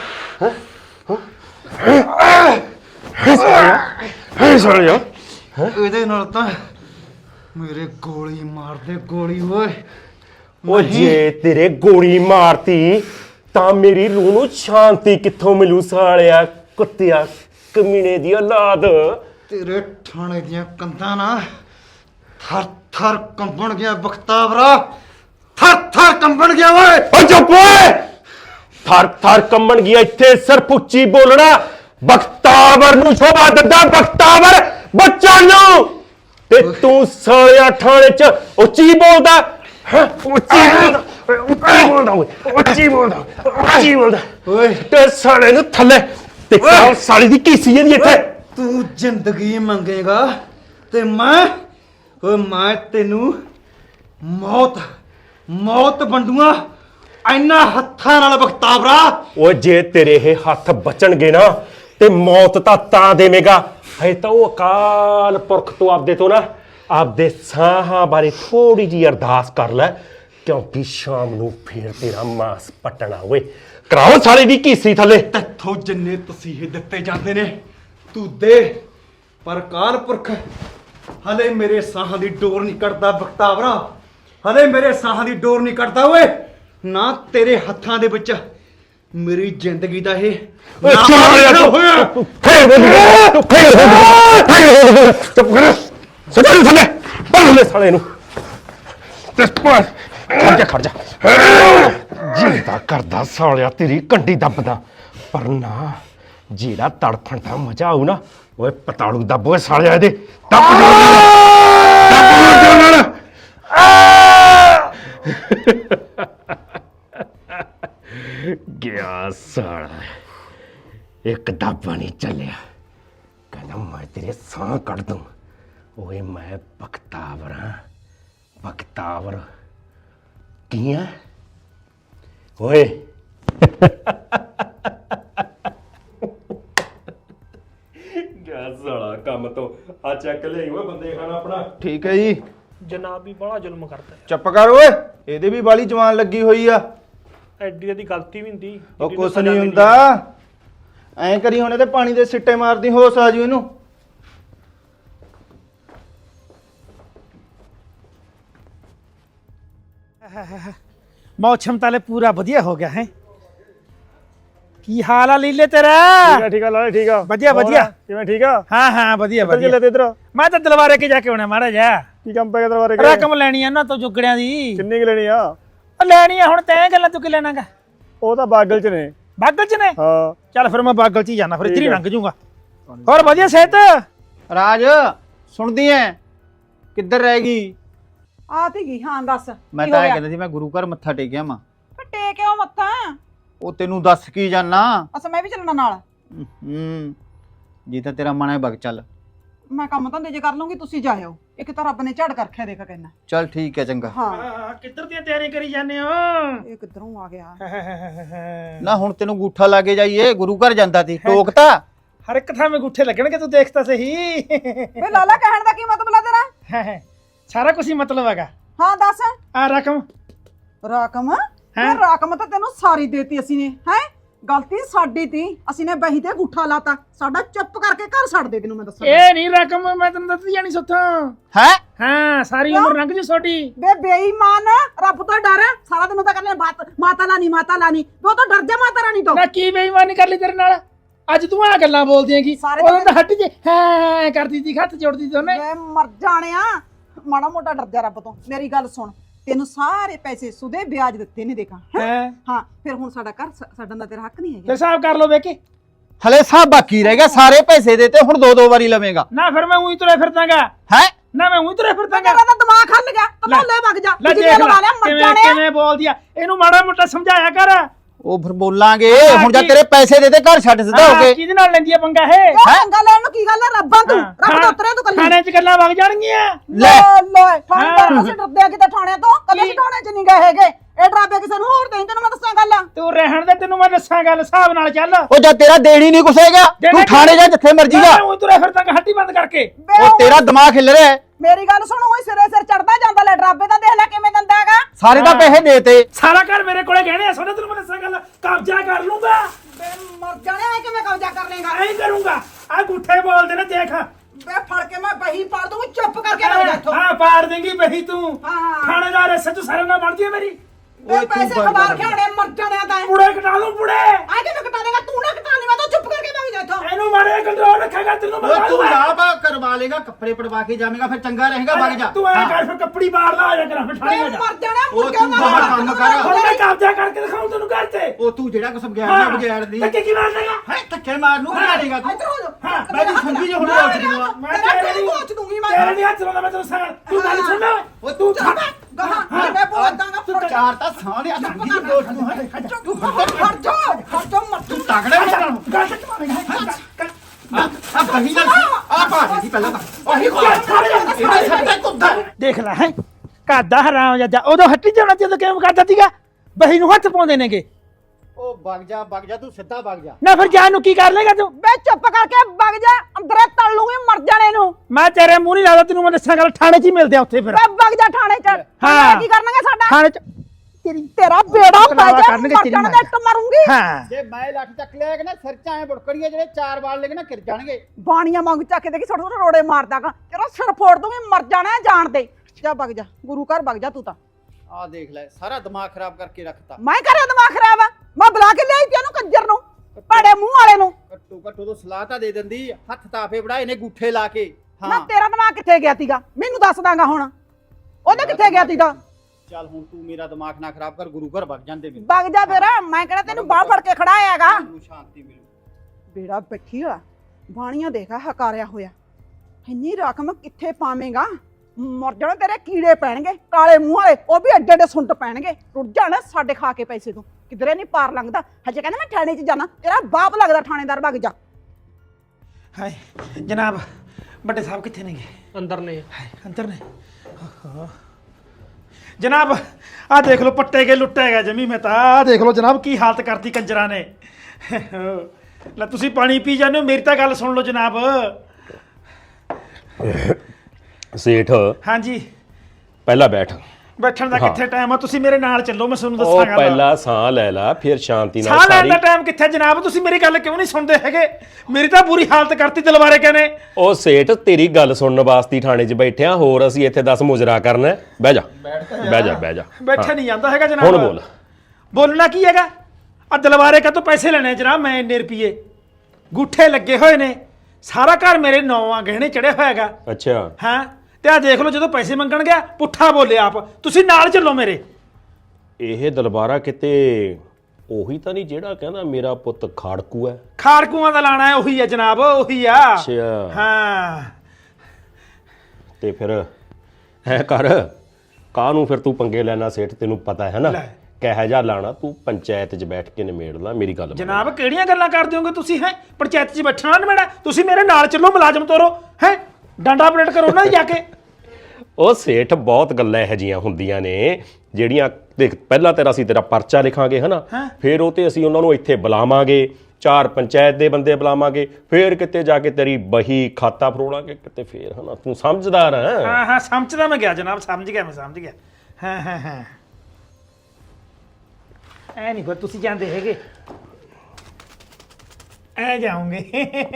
A: ਸਾਲਿਆ
F: ਇਹਦੇ ਨਾਲ ਤਾਂ ਮੇਰੇ ਗੋਲੀ ਮਾਰਦੇ ਗੋਲੀ ਓਏ
A: ਉਹ ਜੇ ਤੇਰੇ ਗੋਲੀ ਮਾਰਤੀ ਤਾਂ ਮੇਰੀ ਰੂਹ ਨੂੰ ਸ਼ਾਂਤੀ ਕਿੱਥੋਂ ਮਿਲੂ ਸਾਲਿਆ ਕੁੱਤਿਆ ਕਮੀਨੇ ਦੀ ਔਲਾਦ।
F: ਤੇਰੇ ਠਾਣੇ ਦੀਆਂ ਕੰਧਾਂ ਨਾ ਥਰ ਥਰ ਕੰਬਣ ਗਿਆ ਬਖਤਾਵਰਾ ਥਰ ਕੰਬਣ ਗਿਆ ਓਏ।
A: ਓ ਚੁੱਪ ਓਏ ਥਰ ਕੰਬਣ ਗਿਆ ਇੱਥੇ ਸਿਰਫ ਉੱਚੀ ਬੋਲਣਾ ਬਖਤਾਵਰ ਨੂੰ ਸ਼ੋਭਾ ਦਿੰਦਾ ਬਖਤਾਵਰ ਬੱਚਾ ਨੂੰ ਤੇ ਤੂੰ ਸਾਲਿਆ ਠਾਣੇ ਚ ਉੱਚੀ ਬੋਲਦਾ ਉੱਚੀ ਬੋਲਦਾ
F: ਓਏ
A: ਤੇ ਸਾਲੇ ਨੂੰ ਥੱਲੇ ਤੇ ਸਾਲੀ ਦੀ ਕੀਸੀ ਇਹਦੀ ਇੱਥੇ
F: ਤੂੰ ਜ਼ਿੰਦਗੀ ਮੰਗੇਗਾ ਤੇ ਮੈਂ ਤੈਨੂੰ ਮੌਤ ਵੰਡੂਗਾ ਇੰਨਾ ਹੱਥਾਂ ਨਾਲ ਬਖਤਾਵਰਾ।
A: ਉਹ ਜੇ ਤੇਰੇ ਇਹ ਹੱਥ ਬਚਣਗੇ ਨਾ ਤੇ ਮੌਤ ਤਾਂ ਦੇਵੇਂਗਾ। ਹੈ ਤਾਂ ਉਹ ਅਕਾਲ ਪੁਰਖ ਤੋਂ ਆਪਦੇ ਸਾਹਾਂ ਬਾਰੇ ਥੋੜੀ ਜਿਹੀ ਅਰਦਾਸ ਕਰ ਲੈ ਕਿਉਂਕਿ ਸ਼ਾਮ ਨੂੰ ਫੇਰ ਤੇਰਾ ਮਾਸ ਪਟਣਾ ਓਏ। ਕਰਾਓ ਸਾਲੇ ਦੀ ਕੀਸੀ ਥੱਲੇ
F: ਤੈਥੋਂ ਜਿੰਨੇ ਤਸੀਹੇ ਦਿੱਤੇ ਜਾਂਦੇ ਨੇ ਤੂੰ ਦੇ ਪਰ ਅਕਾਲ ਪੁਰਖ ਹਲੇ ਮੇਰੇ ਸਾਹਾਂ ਦੀ ਡੋਰ ਨਹੀਂ ਕੱਢਦਾ ਬਖਤਾਵਰਾ ਹਲੇ ਮੇਰੇ ਸਾਹਾਂ ਦੀ ਡੋਰ ਨਹੀਂ ਕੱਢਦਾ ਓਏ। ਨਾ ਤੇਰੇ ਹੱਥਾਂ ਦੇ ਵਿੱਚ ਮੇਰੀ ਜ਼ਿੰਦਗੀ ਦਾ ਇਹ
A: ਸਾਲੇ ਨੂੰ ਖੜ ਜਾ ਜਿੰਦਾ ਕਰਦਾ ਸਾਲਿਆ ਤੇਰੀ ਕੰਡੀ ਦੱਬਦਾ ਪਰ ਨਾ ਜਿਹੜਾ ਤੜਫਣ ਦਾ ਮਜ਼ਾ ਆਉ ਨਾ ਓਏ ਪਤਾਲੂ ਦੱਬ ਓਏ ਸਾਲਿਆ ਇਹਦੇ ਦੱਬ ਗਿਆ ਸਾਲਾ ਇੱਕ ਦੱਬਾ ਨਹੀਂ ਚੱਲਿਆ ਕਹਿੰਦਾ ਮੈਂ ਤੇਰੇ ਸਾਹ ਕੱਢ ਦੂੰ ਓਏ ਮੈਂ ਬਖਤਾਵਰ ਕੀ ਆ ਓਏ ਗਿਆ ਸਾਲਾ ਕੰਮ ਤੋਂ ਆ ਚੱਕ ਲਈ ਓਏ ਬੰਦੇ ਖਾਣਾ ਆਪਣਾ।
F: ਠੀਕ ਹੈ ਜੀ
C: ਜਨਾਬ ਵੀ ਬੜਾ ਜ਼ੁਲਮ ਕਰਦਾ ਹੈ।
F: ਚੁੱਪ ਕਰ ਓਏ ਇਹਦੇ ਵੀ ਬਾਲੀ ਜਵਾਨ ਲੱਗੀ ਹੋਈ ਆ।
C: ਐਡੀ ਦੀ ਗਲਤੀ ਵੀ ਹੁੰਦੀ
F: ਉਹ ਕੁਛ ਨਹੀਂ ਹੁੰਦਾ ਐਂ ਕਰੀ ਹੁਣ ਇਹਦੇ ਪਾਣੀ ਦੇ ਸਿੱਟੇ ਮਾਰਦੀ ਹੋਸ ਆ ਜੂ ਇਹਨੂੰ।
D: ਮੌਸਮ ਤਾਲੇ ਪੂਰਾ ਵਧੀਆ ਹੋ ਗਿਆ ਹੈ। ਕੀ ਹਾਲ ਆ ਲੀਲੇ ਤੇਰਾ?
C: ਠੀਕ ਆ ਲਾਲੇ ਠੀਕ ਆ
D: ਵਧੀਆ
C: ਕਿਵੇਂ ਠੀਕ ਆ
D: ਹਾਂ ਵਧੀਆ
C: ਚੱਲੇ ਤੇ ਇਧਰ
D: ਮੈਂ ਤਾਂ ਦਲਵਾਰੇ ਕੇ ਜਾ ਕੇ ਆਉਣਾ ਮਹਾਰਾਜ
C: ਕੀ ਕੰਮ ਪੈ ਗਿਆ ਦਰਬਾਰੇ
D: ਰਕਮ ਲੈਣੀ ਆ ਨਾ ਤੋਂ ਜੁਗੜਿਆਂ ਦੀ।
C: ਕਿੰਨੀ ਕਿ ਲੈਣੀ ਆ
D: ਲੈਣੀ ਆ ਹੁਣ ਤੈਂ ਗੱਲਾਂ ਤੂੰ ਕੀ ਲੈਣਾਗਾ?
C: ਉਹ ਤਾਂ ਬਾਗਲ ਚ ਨੇ
D: ਬਾਗਲ ਚ ਨੇ
C: ਹਾਂ
D: ਚੱਲ ਫਿਰ ਮੈਂ ਬਾਗਲ ਚ ਹੀ ਜਾਣਾ ਫਿਰ ਇੱਧਰ ਹੀ ਲੰਘ ਜਾਊਂਗਾ ਹੋਰ ਵਧੀਆ ਸਿਹਤ
F: ਰਾਜ ਸੁਣਦੀ ਐ ਕਿੱਧਰ ਰਹਿ ਗਈ?
B: ਆ ਤੇ ਗਈ ਹਾਂ ਦੱਸ
F: ਮੈਂ
B: ਕੀ
F: ਤਾਂ
B: ਹੋ
F: ਇਹ
B: ਗਿਆ?
F: ਕਹਿੰਦਾ ਸੀ ਮੈਂ ਗੁਰੂ ਘਰ ਮੱਥਾ ਟੇਕਿਆ ਮਾਂ।
B: ਟੇਕ ਕਿਉਂ ਮੱਥਾ?
F: ਉਹ ਤੈਨੂੰ ਦੱਸ ਕੀ ਜਾਨਾ?
B: ਅਸਾਂ ਮੈਂ ਵੀ ਚੱਲਣਾ ਨਾਲ।
F: ਜੀ ਤਾਂ ਤੇਰਾ ਮਨ ਹੈ ਵਗ ਚੱਲ।
B: ਮੈਂ ਕੰਮ ਧੰਦੇ ਜੇ ਕਰ ਲੂੰਗੀ ਤੁਸੀਂ ਜਾਇਓ। ਇੱਕ ਤਾਂ ਰੱਬ ਨੇ ਝੜ ਕਰ ਰੱਖਿਆ ਦੇਖ ਕਹਿੰਦਾ।
F: ਚੱਲ ਠੀਕ ਹੈ ਚੰਗਾ।
B: ਹਾਂ
D: ਕਿੱਧਰ ਦੀਆਂ ਤਿਆਰੀਆਂ ਕਰੀ ਜਾਂਦੇ ਹੋ
B: ਇਹ ਕਿੱਧਰੋਂ ਆ ਗਿਆ?
F: ਨਾ ਹੁਣ ਤੈਨੂੰ ਗੂਠਾ ਲਾ ਕੇ ਜਾਈਏ ਗੁਰੂ ਘਰ ਜਾਂਦਾ ਤੀ ਟੋਕਤਾ।
D: ਹਰ ਇੱਕ ਥਾਂ ਮੈਂ ਗੁੱਠੇ ਲੱਗਣਗੇ ਤੂੰ ਦੇਖ ਤਾਂ ਸਹੀ
B: ਵੇ ਲਾਲਾ ਕਹਿਣ ਦਾ ਕੀ ਮਤਲਬ ਆ ਤੇਰਾ?
D: ਸਾਰਾ ਕੁਝ ਹੀ ਮਤਲਬ ਹੈਗਾ।
B: ਹਾਂ ਦੱਸ।
D: ਆ ਰਕਮ
B: ਰਕਮ? ਇਹ ਰਕਮ ਤਾਂ ਤੈਨੂੰ ਸਾਰੀ ਦੇਤੀ ਅਸੀਂ ਨੇ। ਹੈ ਗਲਤੀ ਸਾਡੀ ਤੀ। ਅਸੀਂ ਨੇ ਬਹੀ ਤੇ ਗੁੱਠਾ ਲਾਤਾ। ਸਾਡਾ ਚੁੱਪ ਕਰਕੇ ਘਰ ਛੱਡ ਦੇ ਤੈਨੂੰ ਮੈਂ ਦੱਸਾਂ।
D: ਇਹ ਨਹੀਂ ਰਕਮ ਮੈਂ ਤੈਨੂੰ ਦੱਸਦੀ ਜਾਣੀ ਸੁੱਥੋਂ।
F: ਹੈ
D: ਹਾਂ ਸਾਰੀ ਉਮਰ ਲੰਘ ਜੂ ਛੋਟੀ।
B: ਬੇ ਬੇਈਮਾਨ ਰੱਬ ਤੋਂ ਡਰ। ਸਾਰਾ ਦਿਨ ਤਾਂ ਕਹਿੰਦੇ ਮਾਤਾ ਲਾਨੀ ਵੇ ਉਹ ਤਾਂ ਡਰ ਜਾ ਮਾਤਾ ਰਾਣੀ ਤੋਂ।
D: ਨਾ ਕੀ ਬੇਈਮਾਨੀ ਕਰ ਲਈ ਤੇਰੇ ਨਾਲ? ਅੱਜ ਤੂੰ ਆ ਗੱਲਾਂ ਬੋਲਦੀਆਂ ਕੀ? ਉਦੋਂ ਤਾਂ ਹੱਟ ਜੇ ਹਾਂ ਕਰਦੀ ਸੀ ਹੱਥ ਜੋੜਦੀ ਸੀ ਉਹਨੇ।
B: ਵੇ ਮਰ ਜਾਣਿਆ ਮਾੜਾ ਮੋਟਾ ਡਰ ਜਾ ਰੱਬ ਤੋਂ। ਮੇਰੀ ਗੱਲ ਸੁਣ ਤੈਨੂੰ ਸਾਰੇ ਪੈਸੇ ਸੁਦੇ ਵਿਆਜ ਦਿੱਤੇ ਨੇ ਦੇਖਾਂ। ਹਾਂ ਫਿਰ ਹੁਣ ਸਾਡਾ ਘਰ ਛੱਡਣ ਦਾ ਤੇਰਾ ਹੱਕ ਨਹੀਂ ਹੈਗਾ।
D: ਫਿਰ ਹਿਸਾਬ ਕਰ ਲਓ ਵੇਖੇ
F: ਹਲੇ ਸਭ ਬਾਕੀ ਰਹਿ ਗਿਆ। ਸਾਰੇ ਪੈਸੇ ਦੇ ਤੇ ਹੁਣ ਦੋ ਵਾਰੀ ਲਵੇਂਗਾ।
D: ਨਾ ਫਿਰ ਮੈਂ ਉਹੀ ਤੁਰੇ ਫਿਰਦਾਗਾ।
F: ਹੈ
D: ਨਾ ਮੈਂ ਉਹੀ ਤੁਰੇ ਫਿਰਦਾਗਾ।
B: ਤੇਰਾ ਤਾਂ ਦਿਮਾਗ ਹੱਲ ਗਿਆ। ਤਮੋਲੇ ਵਗ ਜਾ।
D: ਲੈ
B: ਬਿਜਲੀ
D: ਦੇਖ
B: ਲਵਾ
D: ਲੈ
B: ਲਿਆ ਮਰ
D: ਕਿਵੇਂ
B: ਜਾਣਿਆ।
D: ਕਿਵੇਂ ਬੋਲਦੀ ਆ। ਇਹਨੂੰ ਮਾੜਾ ਮੋਟਾ ਸਮਝਾਇਆ ਕਰ।
F: ਉਹ ਫਿਰ ਬੋਲਾਂਗੇ ਹੁਣ ਜਦ ਤੇਰੇ ਪੈਸੇ ਦੇ ਤੇ ਘਰ ਛੱਡ ਸਿੱਧਾ ਹੋ ਕੇ।
D: ਕਿਹਦੇ ਨਾਲ ਲੈਂਦੀ ਆ ਪੰਗਾ ਇਹ?
B: ਪੰਗਾ ਲੈਣ ਨੂੰ ਕੀ ਗੱਲ ਹੈ? ਰੱਬਾਂ ਤੂੰ ਰੱਬ ਤੋਂ ਉਤਰਿਆ ਤੂੰ ਕੱਲੀ।
D: ਥਾਣੇ 'ਚ ਗੱਲਾਂ ਵਗ ਜਾਣਗੀਆਂ।
B: ਲੈ ਥਾਣੇ ਅਸੀਂ ਡਰਦੇ ਆ ਕਿਤੇ ਥਾਣੇ ਤੋਂ। ਕਦੇ ਥਾਣੇ 'ਚ ਨਹੀਂ ਗਏ ਹੈਗੇ। ਇਹ ਡਰਾਬੇ ਕਿਸੇ ਨੂੰ ਹੋਰ ਦੇਣ ਤੈਨੂੰ ਮੈਂ ਦੱਸਾਂ ਗੱਲ।
D: ਤੂੰ ਰਹਿਣ ਦੇ ਤੈਨੂੰ ਮੈਂ ਦੱਸਾਂ ਗੱਲ ਹਿਸਾਬ ਨਾਲ ਚੱਲ।
F: ਉਹ ਜਦ ਤੇਰਾ ਦੇਣੀ ਨਹੀਂ ਕੁਛ ਹੈਗਾ ਤੂੰ ਥਾਣੇ ਜਾ ਜਿੱਥੇ ਮਰਜੀ ਜਾ।
D: ਮੈਂ ਉਹੀ ਤੁਰੇ ਫਿਰਦਾਗਾ ਹੱਟੀ ਬੰਦ ਕਰਕੇ।
F: ਉਹ ਤੇਰਾ ਦਿਮਾਗ ਹਿੱਲ ਰਿਹਾ ਹੈ।
B: ਮੇਰੀ ਗੱਲ ਸੁਣ ਉਹੀ ਸਿਰੇ ਸਿਰ ਚੜਦਾ ਜਾਂਦਾ। ਲੈ ਡਰਾਬੇ ਦਾ ਦੇਖ ਲੈ ਕਿਵੇਂ ਦਿੰਦਾ ਹੈਗਾ।
F: ਸਾਰੇ ਤਾਂ ਪੈਸੇ ਦੇਤੇ।
D: ਸਾਰਾ ਘਰ ਮੇਰੇ ਕੋਲੇ ਗਹਿਣੇ ਆ। ਸੋਨੇ ਤੈਨੂੰ ਮੈਂ ਦੱਸਾਂ ਗੱਲ ਕਬਜ਼ਾ ਕਰ ਲੂੰਗਾ।
B: ਬੇ ਮਰ ਜਾਣਿਆ ਐ ਕਿਵੇਂ ਕਬਜ਼ਾ ਕਰ ਲੇਗਾ?
D: ਐਂ ਕਰੂੰਗਾ। ਆ ਗੁੱਠੇ ਬੋਲਦੇ ਨੇ ਦੇਖ।
B: ਬੇ ਫੜ ਕੇ ਮੈਂ ਬਹੀ ਪਾੜ ਦੂੰਗੀ। ਚੁੱਪ ਕਰਕੇ ਬਹਿ ਜਾ ਇੱਥੋਂ।
D: ਹਾਂ ਪਾੜ ਦੇਂਗੀ ਬਹੀ ਤੂੰ।
B: ਹਾਂ।
D: ਥਾਣੇਦਾਰ ਐਸੇ ਤੂੰ ਸਾਰੇ ਨਾਲ ਬਣਦੀ ਹੈ ਮੇਰੀ।
B: ਬੇ ਪੈਸੇ ਖਵਾਰ ਖਾਣੇ ਮਰ ਜਾਣਿਆ ਤਾਂ।
D: ਪੁੜੇ ਕਟਾ ਦੂੰ ਪੁੜੇ।
B: ਆ ਕਿਵੇਂ ਕਟਾ ਦੇਗਾ? ਤੂੰ ਨਾ ਕਟਾ ਲਈ। ਮੈਂ ਤਾਂ ਚੁੱਪ ਕਰਕੇ ਬਹਿ ਜਾ ਇੱਥੋਂ।
D: ਇਹਨੂੰ ਮਾਰੇ ਕੰਟਰੋਲ ਰੱਖੇਗਾ ਤੈਨੂੰ ਮੈਂ
F: ਤੂੰ ਲਾਭ ਕਰਵਾ ਲੇਗਾ ਕੱਪੜੇ ਪੜਵਾ ਕੇ ਜਾਵੇਂਗਾ ਫਿਰ ਚੰਗਾ ਰਹੇਗਾ ਵਗ ਜਾ।
D: ਤੂੰ ਐਂ ਕਰ ਫਿਰ ਕੱਪੜੀ ਬਾਹਰ ਲਾ ਆ ਜਾ ਕਰਾਂ ਫਿਰ
B: ਬੇ
D: ਥਾਣੇ ਜਾ।
B: ਮਰ ਜਾਣਿਆ
F: ਉਹ
B: ਮੁਰਗਾ
F: ਤੂੰ ਬਾਹਰ ਕੰਮ ਕਰ।
D: ਹੁਣ ਮੈਂ ਕਬਜ਼ਾ ਕਰਕੇ ਦਿਖਾਉਂ ਤੈਨੂੰ ਘਰ ਤੇ।
F: ਉਹ ਤੂੰ ਜਿਹੜਾ ਕੁਛ ਬਗੈਰ ਬਗੈਰ ਦੀ
D: ਧੱਕੇ ਕੀ ਮਾਰ ਦੇਗਾ?
F: ਹੈ ਧੱਕੇ ਮਾਰ ਨੂੰ ਬਣਾ ਦੇਗਾ ਤੂੰ।
B: ਇੱਧਰ ਹੋ ਜਾ।
D: ਹਾਂ,
F: ਮੈਂ ਵੀ ਸੰਗੀ ਜੇ ਹੁਣ ਰੋਕ ਦੂੰਗਾ।
D: ਮੈਂ
B: ਤੇਰਾ
D: ਤੇਰੇ
B: ਤੂੰ
D: ਨਹੀਂ
B: ਕੋਚ ਦੂੰਗੀ ਮੈਂ।
D: ਤੇਰੇ ਨਹੀਂ ਹੱਥ ਲਾਉਂਦਾ ਮੈਂ ਤੈਨੂੰ ਸਾਰਾ। ਤੂੰ ਗੱਲ ਸੁਣ ਲੈ।
F: ਉਹ ਤੂੰ
B: ਗਾਹਾਂ ਮੈਂ ਬੋਲਦਾਗਾ
F: ਤੂੰ ਚਾਰ ਤਾਂ ਸਾਹ ਦੇ ਸੰਗੀ ਦੀ ਦੋਸਤ ਨੂੰ ਹੈ।
B: ਤੂੰ ਫੜ ਜਾ ਮਰ
F: ਤੂੰ ਤਗੜਾ ਬਣਾ
D: ਗੱਲ ਤੇ ਮਾਰੇਗਾ।
F: ਆ ਬਹੀ ਨਾਲ ਆ ਪਾ ਦੀ ਪਹਿਲਾਂ ਤਾਂ ਉਹੀ ਇਹਦੇ ਸਾਡੇ ਕੁੱਦਾ
D: ਦੇਖ ਲੈ ਹੈ ਕਾਦਾ ਹਰਾਮ ਜੱਜਾ ਉਦੋਂ ਹੱਟੀ ਜਾਣਾ ਤੇ ਕਿਵੇਂ ਕਰਦਾ ਸੀਗਾ? ਬਹੀ ਨੂੰ ਹੱਥ ਪਾਉਂਦੇ ਨੇਗੇ।
F: ਉਹ ਵਗ ਜਾ ਤੂੰ ਸਿੱਧਾ ਵਗ ਜਾ।
D: ਨਾ ਫਿਰ ਜਾਨ ਨੂੰ ਕੀ ਕਰ ਲੇਗਾ ਤੂੰ?
B: ਬੇ ਚੁੱਪ ਕਰਕੇ ਵਗ ਜਾ। ਅੰਦਰੇ ਤਲ ਲੂੰਗੀ ਮਰ ਜਾਣੇ ਨੂੰ।
D: ਮੈਂ ਤੇਰੇ ਮੂੰਹ ਨਹੀਂ ਲਾਦਾ ਤੈਨੂੰ ਮੈਂ ਦੱਸਾਂ ਗੱਲ ਥਾਣੇ 'ਚ ਹੀ ਮਿਲਦੇ ਆ ਉੱਥੇ ਫਿਰ।
B: ਬੇ ਵਗ ਜਾ ਥਾਣੇ ਚ।
D: ਹਾਂ।
B: ਕੀ ਕਰਨਗੇ ਸਾਡਾ?
D: ਥਾਣੇ 'ਚ
B: ਤੇਰਾ ਬੇੜਾ ਪੈ ਜਾ।
D: ਕਰਨਗੇ
B: ਮਰ
D: ਤੇਰੀ
B: ਜਾਣਗੇ ਇੱਟ ਮਾਰੂੰਗੀ।
D: ਹਾਂ
F: ਜੇ ਮੈਂ ਲੱਠ ਚੱਕ ਲਿਆ ਕਿ ਨਾ ਸਿਰ 'ਚ ਐ ਬੁੜਕੜੀਏ ਜਿਹੜੇ ਚਾਰ ਵਾਲ ਲੈ ਕੇ ਨਾ ਕਿਰ ਜਾਣਗੇ।
B: ਬਾਣੀਆਂ ਮੰਗ ਚੱਕ ਕੇ ਦੇਖੀ ਛੋਟੇ ਛੋਟੇ ਰੋੜੇ ਮਾਰਦਾਗਾ। ਤੇਰਾ ਸਿਰ ਫੋੜ ਦੂੰਗੀ ਮਰ ਜਾਣਾ ਜਾਣ ਦੇ। ਜਾ ਵਗ ਜਾ ਗੁਰੂ ਘਰ ਵਗ ਜਾ ਤੂੰ ਤਾਂ।
F: ਆ ਦੇਖ ਲੈ ਸਾਰਾ ਦਿਮਾਗ ਖਰਾਬ ਕਰਕੇ ਰੱਖਤਾ।
B: ਮੈਂ ਕਰਿਆ ਦਿਮਾਗ ਖਰਾਬ ਆ? ਮੈਂ ਬੁਲਾ ਕੇ ਲਿਆਈ ਤੈਨੂੰ ਕੰਜਰ ਨੂੰ ਪਾੜੇ ਮੂੰਹ ਵਾਲੇ ਨੂੰ।
F: ਘੱਟੋ ਤੋਂ ਸਲਾਹ ਤਾਂ ਦੇ ਦਿੰਦੀ ਹੱਥ ਤਾਫੇ ਬੜਾਏ ਨੇ ਗੂਠੇ ਲਾ ਕੇ।
B: ਨਾ ਤੇਰਾ ਦਿਮਾਗ ਕਿੱਥੇ ਗਿਆ ਤੀਗਾ? ਮੈਨੂੰ ਦੱਸ ਦਾਂਗਾ ਹੁਣ ਉਹਦਾ ਕਿੱਥੇ ਗਿਆ ਤੀਗਾ?
F: ਚੱਲ ਹੁਣ ਤੂੰ ਮੇਰਾ ਦਿਮਾਗ ਨਾ ਖਰਾਬ ਕਰ ਗੁਰੂ ਘਰ ਵਗ ਜਾਂਦੇ ਮੈਨੂੰ।
B: ਵਗ ਜਾ ਫਿਰ। ਮੈਂ ਕਿਹੜਾ ਤੈਨੂੰ ਬਾਹ ਫੜ ਕੇ ਖੜਾ ਹੈਗਾ।
F: ਤੈਨੂੰ ਸ਼ਾਂਤੀ ਮਿਲੂ।
B: ਬੇੜਾ ਬੈਠੀ ਹੋਇਆ ਬਾਣੀਆਂ ਦੇਖਾ ਹਕਾਰਿਆ ਹੋਇਆ। ਇੰਨੀ ਰਕਮ ਕਿੱਥੇ ਪਾਵੇਂਗਾ? ਮਰ ਜਾਣਾ ਤੇਰੇ ਕੀੜੇ ਪੈਣਗੇ ਕਾਲੇ ਮੂੰਹ ਵਾਲੇ। ਉਹ ਵੀ ਐਡੇ ਐਡੇ ਸੁੰਟ ਪੈਣਗੇ। ਰੁੱਟ ਜਾਣਾ ਸਾਡੇ ਖਾ ਕੇ ਪੈਸੇ ਤੋਂ। ਕਿਧਰੇ ਨਹੀਂ ਪਾਰ ਲੰਘਦਾ। ਹਜੇ ਕਹਿੰਦਾ ਮੈਂ ਥਾਣੇ 'ਚ ਜਾਣਾ। ਤੇਰਾ ਬਾਪ ਲੱਗਦਾ ਥਾਣੇਦਾਰ। ਵਗ ਜਾ।
D: ਹਾਏ ਜਨਾਬ ਵੱਡੇ ਸਾਹਿਬ ਕਿੱਥੇ ਨੇਗੇ?
C: ਅੰਦਰ ਨੇ।
D: ਹਾਏ ਅੰਦਰ ਨੇ। ਜਨਾਬ ਆਹ ਦੇਖ ਲਓ ਪੱਟੇ ਕੇ ਲੁੱਟਿਆ ਗਿਆ ਜਮੀ। ਮੈਂ ਤਾਂ ਆਹ ਦੇਖ ਲਓ ਜਨਾਬ ਕੀ ਹਾਲਤ ਕਰਤੀ ਕੰਜਰਾਂ ਨੇ। ਲੈ ਤੁਸੀਂ ਪਾਣੀ ਪੀ ਜਾਂਦੇ ਹੋ। ਮੇਰੀ ਤਾਂ ਗੱਲ ਸੁਣ ਲਓ ਜਨਾਬ।
A: ਸੇਠ
D: ਹਾਂਜੀ
A: ਪਹਿਲਾਂ ਬੈਠ।
D: ਬੈਠਣ ਦਾ
A: ਹਾਂ।
D: ਕਿੱਥੇ ਟਾਈਮ ਆ? ਤੁਸੀਂ ਮੇਰੇ ਨਾਲ ਚੱਲੋ ਮੈਂ ਤੁਹਾਨੂੰ
A: ਉਹ
D: ਦੱਸਾਂਗਾ।
A: ਪਹਿਲਾਂ ਸਾਹ ਲੈ ਲਾ ਫਿਰ ਸ਼ਾਂਤੀ ਨਾਲ
D: ਸਾਹ ਲੈਣ
A: ਸਾਰੀ।
D: ਦਾ ਟਾਈਮ ਕਿੱਥੇ ਜਨਾਬ? ਤੁਸੀਂ ਮੇਰੀ ਗੱਲ ਕਿਉਂ ਨਹੀਂ ਸੁਣਦੇ ਹੈਗੇ? ਮੇਰੀ ਤਾਂ ਬੁਰੀ ਹਾਲਤ ਕਰਤੀ ਦਲਵਾਰੇ ਕਹਿੰਦੇ।
A: ਉਹ ਸੇਠ ਤੇਰੀ ਗੱਲ ਸੁਣਨ ਵਾਸਤੇ ਥਾਣੇ 'ਚ ਬੈਠਿਆ। ਹੋਰ ਅਸੀਂ ਇੱਥੇ 10 ਮੁਜਰਾ ਕਰਨਾ ਹੈ। ਬਹਿ ਜਾ ਬਹਿ ਜਾ।
D: ਬੈਠੇ ਨਹੀਂ ਜਾਂਦਾ ਹੈਗਾ ਜਨਾਬ।
A: ਹੁਣ ਬੋਲ।
D: ਬੋਲਣਾ ਕੀ ਹੈਗਾ? ਆ ਦਲਵਾਰੇ ਕਾ ਤੋਂ ਪੈਸੇ ਲੈਣੇ ਜਨਾਬ ਮੈਂ ਇੰਨੇ ਰੁਪਏ। ਗੁੱਠੇ ਲੱਗੇ ਹੋਏ ਨੇ। ਸਾਰਾ ਘਰ ਮੇਰੇ ਨੌਵਾਂ ਗਹਿਣੇ ਚੜਿਆ ਹੋਇਆ ਹੈਗਾ।
A: ਅੱਛਾ
D: ਹਾਂ ਤੇ ਆ ਦੇਖ ਲਓ ਜਦੋਂ ਪੈਸੇ ਮੰਗਣ ਗਿਆ ਪੁੱਠਾ ਬੋਲੇ ਆਪ। ਤੁਸੀਂ ਨਾਲ ਚੱਲੋ ਮੇਰੇ।
A: ਇਹ ਦਲਬਾਰਾ ਕਿਤੇ ਉਹੀ ਤਾਂ ਨਹੀਂ ਜਿਹੜਾ ਕਹਿੰਦਾ ਮੇਰਾ ਪੁੱਤ ਖਾੜਕੂ ਹੈ।
D: ਖਾੜਕੂਆਂ ਦਾ ਲਾਣਾ ਹੈ, ਉਹੀ ਹੈ ਜਨਾਬ, ਉਹੀ ਆ।
A: ਅੱਛਾ
D: ਹਾਂ
A: ਤੇ ਫਿਰ ਹੈ ਕਰ ਕਾਹਨੂੰ ਫਿਰ ਤੂੰ ਪੰਗੇ ਲੈਣਾ ਸੇਠ, ਤੈਨੂੰ ਪਤਾ ਹੈ ਨਾ
D: ਲੈ।
A: ਕਿਹੋ ਜਿਹਾ ਲਾਣਾ ਤੂੰ ਪੰਚਾਇਤ 'ਚ ਬੈਠ ਕੇ ਨਿਮੇੜ ਲਾ ਮੇਰੀ ਗੱਲ ਮੰਨ।
D: ਜਨਾਬ ਕਿਹੜੀਆਂ ਗੱਲਾਂ ਕਰਦੇ ਹੋਗੇ ਤੁਸੀਂ? ਹੈ ਪੰਚਾਇਤ 'ਚ ਬੈਠਣਾ ਨਾ ਮੇੜਾ, ਤੁਸੀਂ ਮੇਰੇ ਨਾਲ ਚੱਲੋ, ਮੁਲਾਜ਼ਮ ਤੋਰੋ, ਹੈ ਡਾਂਡਾ ਅਪਡੇਟ ਕਰੋ ਨਾ ਜਾ ਕੇ।
A: ਉਹ ਸੇਠ ਬਹੁਤ ਗੱਲਾਂ ਇਹੋ ਜਿਹੀਆਂ ਹੁੰਦੀਆਂ ਨੇ ਜਿਹੜੀਆਂ ਦੇਖ, ਪਹਿਲਾਂ ਅਸੀਂ ਤੇਰਾ ਪਰਚਾ ਲਿਖਾਂਗੇ ਹਨਾ, ਫਿਰ ਉਹ ਤੇ ਅਸੀਂ ਉਹਨਾਂ ਨੂੰ ਇੱਥੇ ਬੁਲਾਵਾਂਗੇ, 4 ਪੰਚਾਇਤ ਦੇ ਬੰਦੇ ਬੁਲਾਵਾਂਗੇ, ਫਿਰ ਕਿਤੇ ਜਾ ਕੇ ਤੇਰੀ ਬਹੀ ਖਾਤਾ ਫਰੋੜਾਂਗੇ ਕਿਤੇ, ਫਿਰ ਹਨਾ ਤੂੰ ਸਮਝਦਾਰ ਹੈ।
D: ਹਾਂ ਸਮਝਦਾ ਮੈਂ ਗਿਆ ਜਨਾਬ, ਸਮਝ ਗਿਆ, ਮੈਂ ਸਮਝ ਗਿਆ। ਹਾਂ ਐ ਨਹੀਂ ਫਿਰ ਤੁਸੀਂ ਜਾਂਦੇ ਹੈਗੇ, ਐ ਜਾਉਂਗੇ।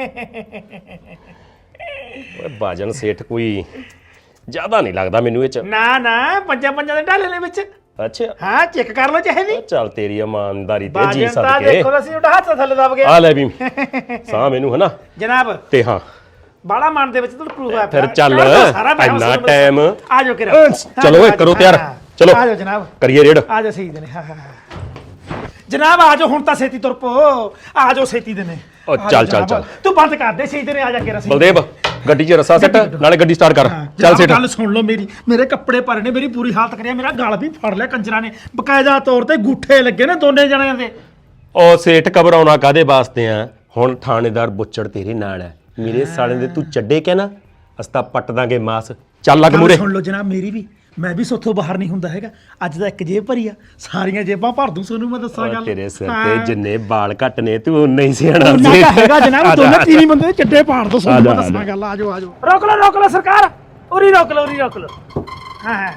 A: ਓਏ ਬਾਜਨ ਸੇਠ ਕੋਈ ਜ਼ਿਆਦਾ ਨਹੀਂ ਲੱਗਦਾ ਮੈਨੂੰ ਇਹ ਚ।
D: ਨਾ ਪੰਜਾਂ ਦੇ ਢਾਲੇ ਨੇ ਵਿੱਚ।
A: ਅੱਛਾ
D: ਹਾਂ ਚੈੱਕ ਕਰ ਲਓ ਚਾਹੇ ਵੀ।
A: ਚੱਲ ਤੇਰੀ ਇਮਾਨਦਾਰੀ ਤੇ ਜੀ
D: ਬਾਜਨ ਤਾਂ
A: ਸਦਕੇ
D: ਦੇਖੋ ਅਸੀਂ ਉਹਦਾ ਹੱਥ ਥੱਲੇ ਦਬ ਗਿਆ।
A: ਆ ਲੈ ਵੀ ਸਾਹ ਮੈਨੂੰ ਹਨਾ
D: ਜਨਾਬ
A: ਤੇ ਹਾਂ
D: ਬਾਲਾ ਮਨ ਦੇ ਵਿੱਚ ਤਾਂ ਪ੍ਰੂਫ ਹੈ।
A: ਫਿਰ ਚੱਲ ਇੰਨਾ ਟਾਈਮ
D: ਆ ਜਾਓ ਕਿਰਾ,
A: ਚਲੋ ਓਏ ਕਰੋ ਤਿਆਰ, ਚਲੋ
D: ਆ ਜਾਓ ਜਨਾਬ,
A: ਕਰੀਏ ਰੇਡ।
D: ਆ ਜਾਓ ਸਹੀ ਦੇ ਨੇ। ਹਾਂ ਜਨਾਬ ਆ ਜਾਓ ਹੁਣ ਤਾਂ ਛੇਤੀ ਤੁਰ ਪੋ, ਆ ਜਾਓ ਛੇਤੀ ਦੇ ਨੇ।
A: ਓ ਚੱਲ
D: ਤੂੰ ਬੰਦ ਕਰ ਦੇ ਸਹੀ ਦੇ ਨੇ, ਆ ਜਾ ਕਿਰਾ।
A: ਬਲਦੇਵ ਗੱਡੀ 'ਚ ਰੱਸਾ ਸੱਟ, ਨਾਲੇ ਗੱਡੀ ਸਟਾਰਟ ਕਰ। ਚੱਲ ਸੇਠ
D: ਗੱਲ ਸੁਣ ਲਓ ਮੇਰੀ, ਮੇਰੇ ਕੱਪੜੇ ਭਰੇ ਨੇ, ਮੇਰੀ ਪੂਰੀ ਹਾਲਤ ਕਰਿਆ, ਮੇਰਾ ਗਲ ਵੀ ਫੜ ਲਿਆ ਕੰਜਰਾਂ ਨੇ, ਬਕਾਇਦਾ ਤੌਰ ਤੇ ਗੂਠੇ ਲੱਗੇ ਨੇ ਦੋਨੇ ਜਣਿਆਂ ਦੇ।
A: ਓ ਸੇਠ ਘਬਰਾਉਣਾ ਕਾਦੇ ਵਾਸਤੇ ਆ? ਹੁਣ ਥਾਣੇਦਾਰ ਬੁੱਚੜ ਤੇਰੇ ਨਾਲ ਹੈ, ਮੇਰੇ ਸਾਲੇ ਦੇ ਤੂੰ ਚੱਡੇ ਕੇ ਨਾ ਅਸਤਾ ਪੱਟ ਦਾਂਗੇ ਮਾਸ। ਚੱਲ ਲੱਗ ਮੂਰੇ।
D: ਸੁਣ ਲਓ ਜਨਾਬ ਮੇਰੀ ਵੀ, ਮੈਂ ਵੀ ਸੋਥੋਂ ਬਾਹਰ ਨਹੀਂ ਹੁੰਦਾ ਹੈਗਾ। ਅੱਜ ਦਾ ਇੱਕ ਜੇਬ ਭਰੀ ਆ, ਸਾਰੀਆਂ ਜੇਬਾਂ ਭਰ ਦੂੰ ਤੁਹਾਨੂੰ ਮੈਂ ਦੱਸਾਂ ਗੱਲ।
A: ਤੇਰੇ ਸਿਰ ਤੇ ਜਿੰਨੇ ਬਾਲ ਘੱਟ ਨੇ ਤੂੰ ਉਨਾ ਹੀ ਸਿਆਣਾ
D: ਨਾ
A: ਸੀ।
D: ਹੈਗਾ ਜਨਾਬ, ਦੋਨੇ ਤੀਵੀਂ ਬੰਦੇ ਦੇ ਚੱਡੇ ਪਾੜ ਦੋ ਤੁਹਾਨੂੰ ਮੈਂ ਦੱਸਾਂ ਗੱਲ। ਆ ਜਾਓ ਰੋਕ ਲਓ ਸਰਕਾਰ, ਉਰੀ ਰੋਕ ਲਓ। ਹਾਂ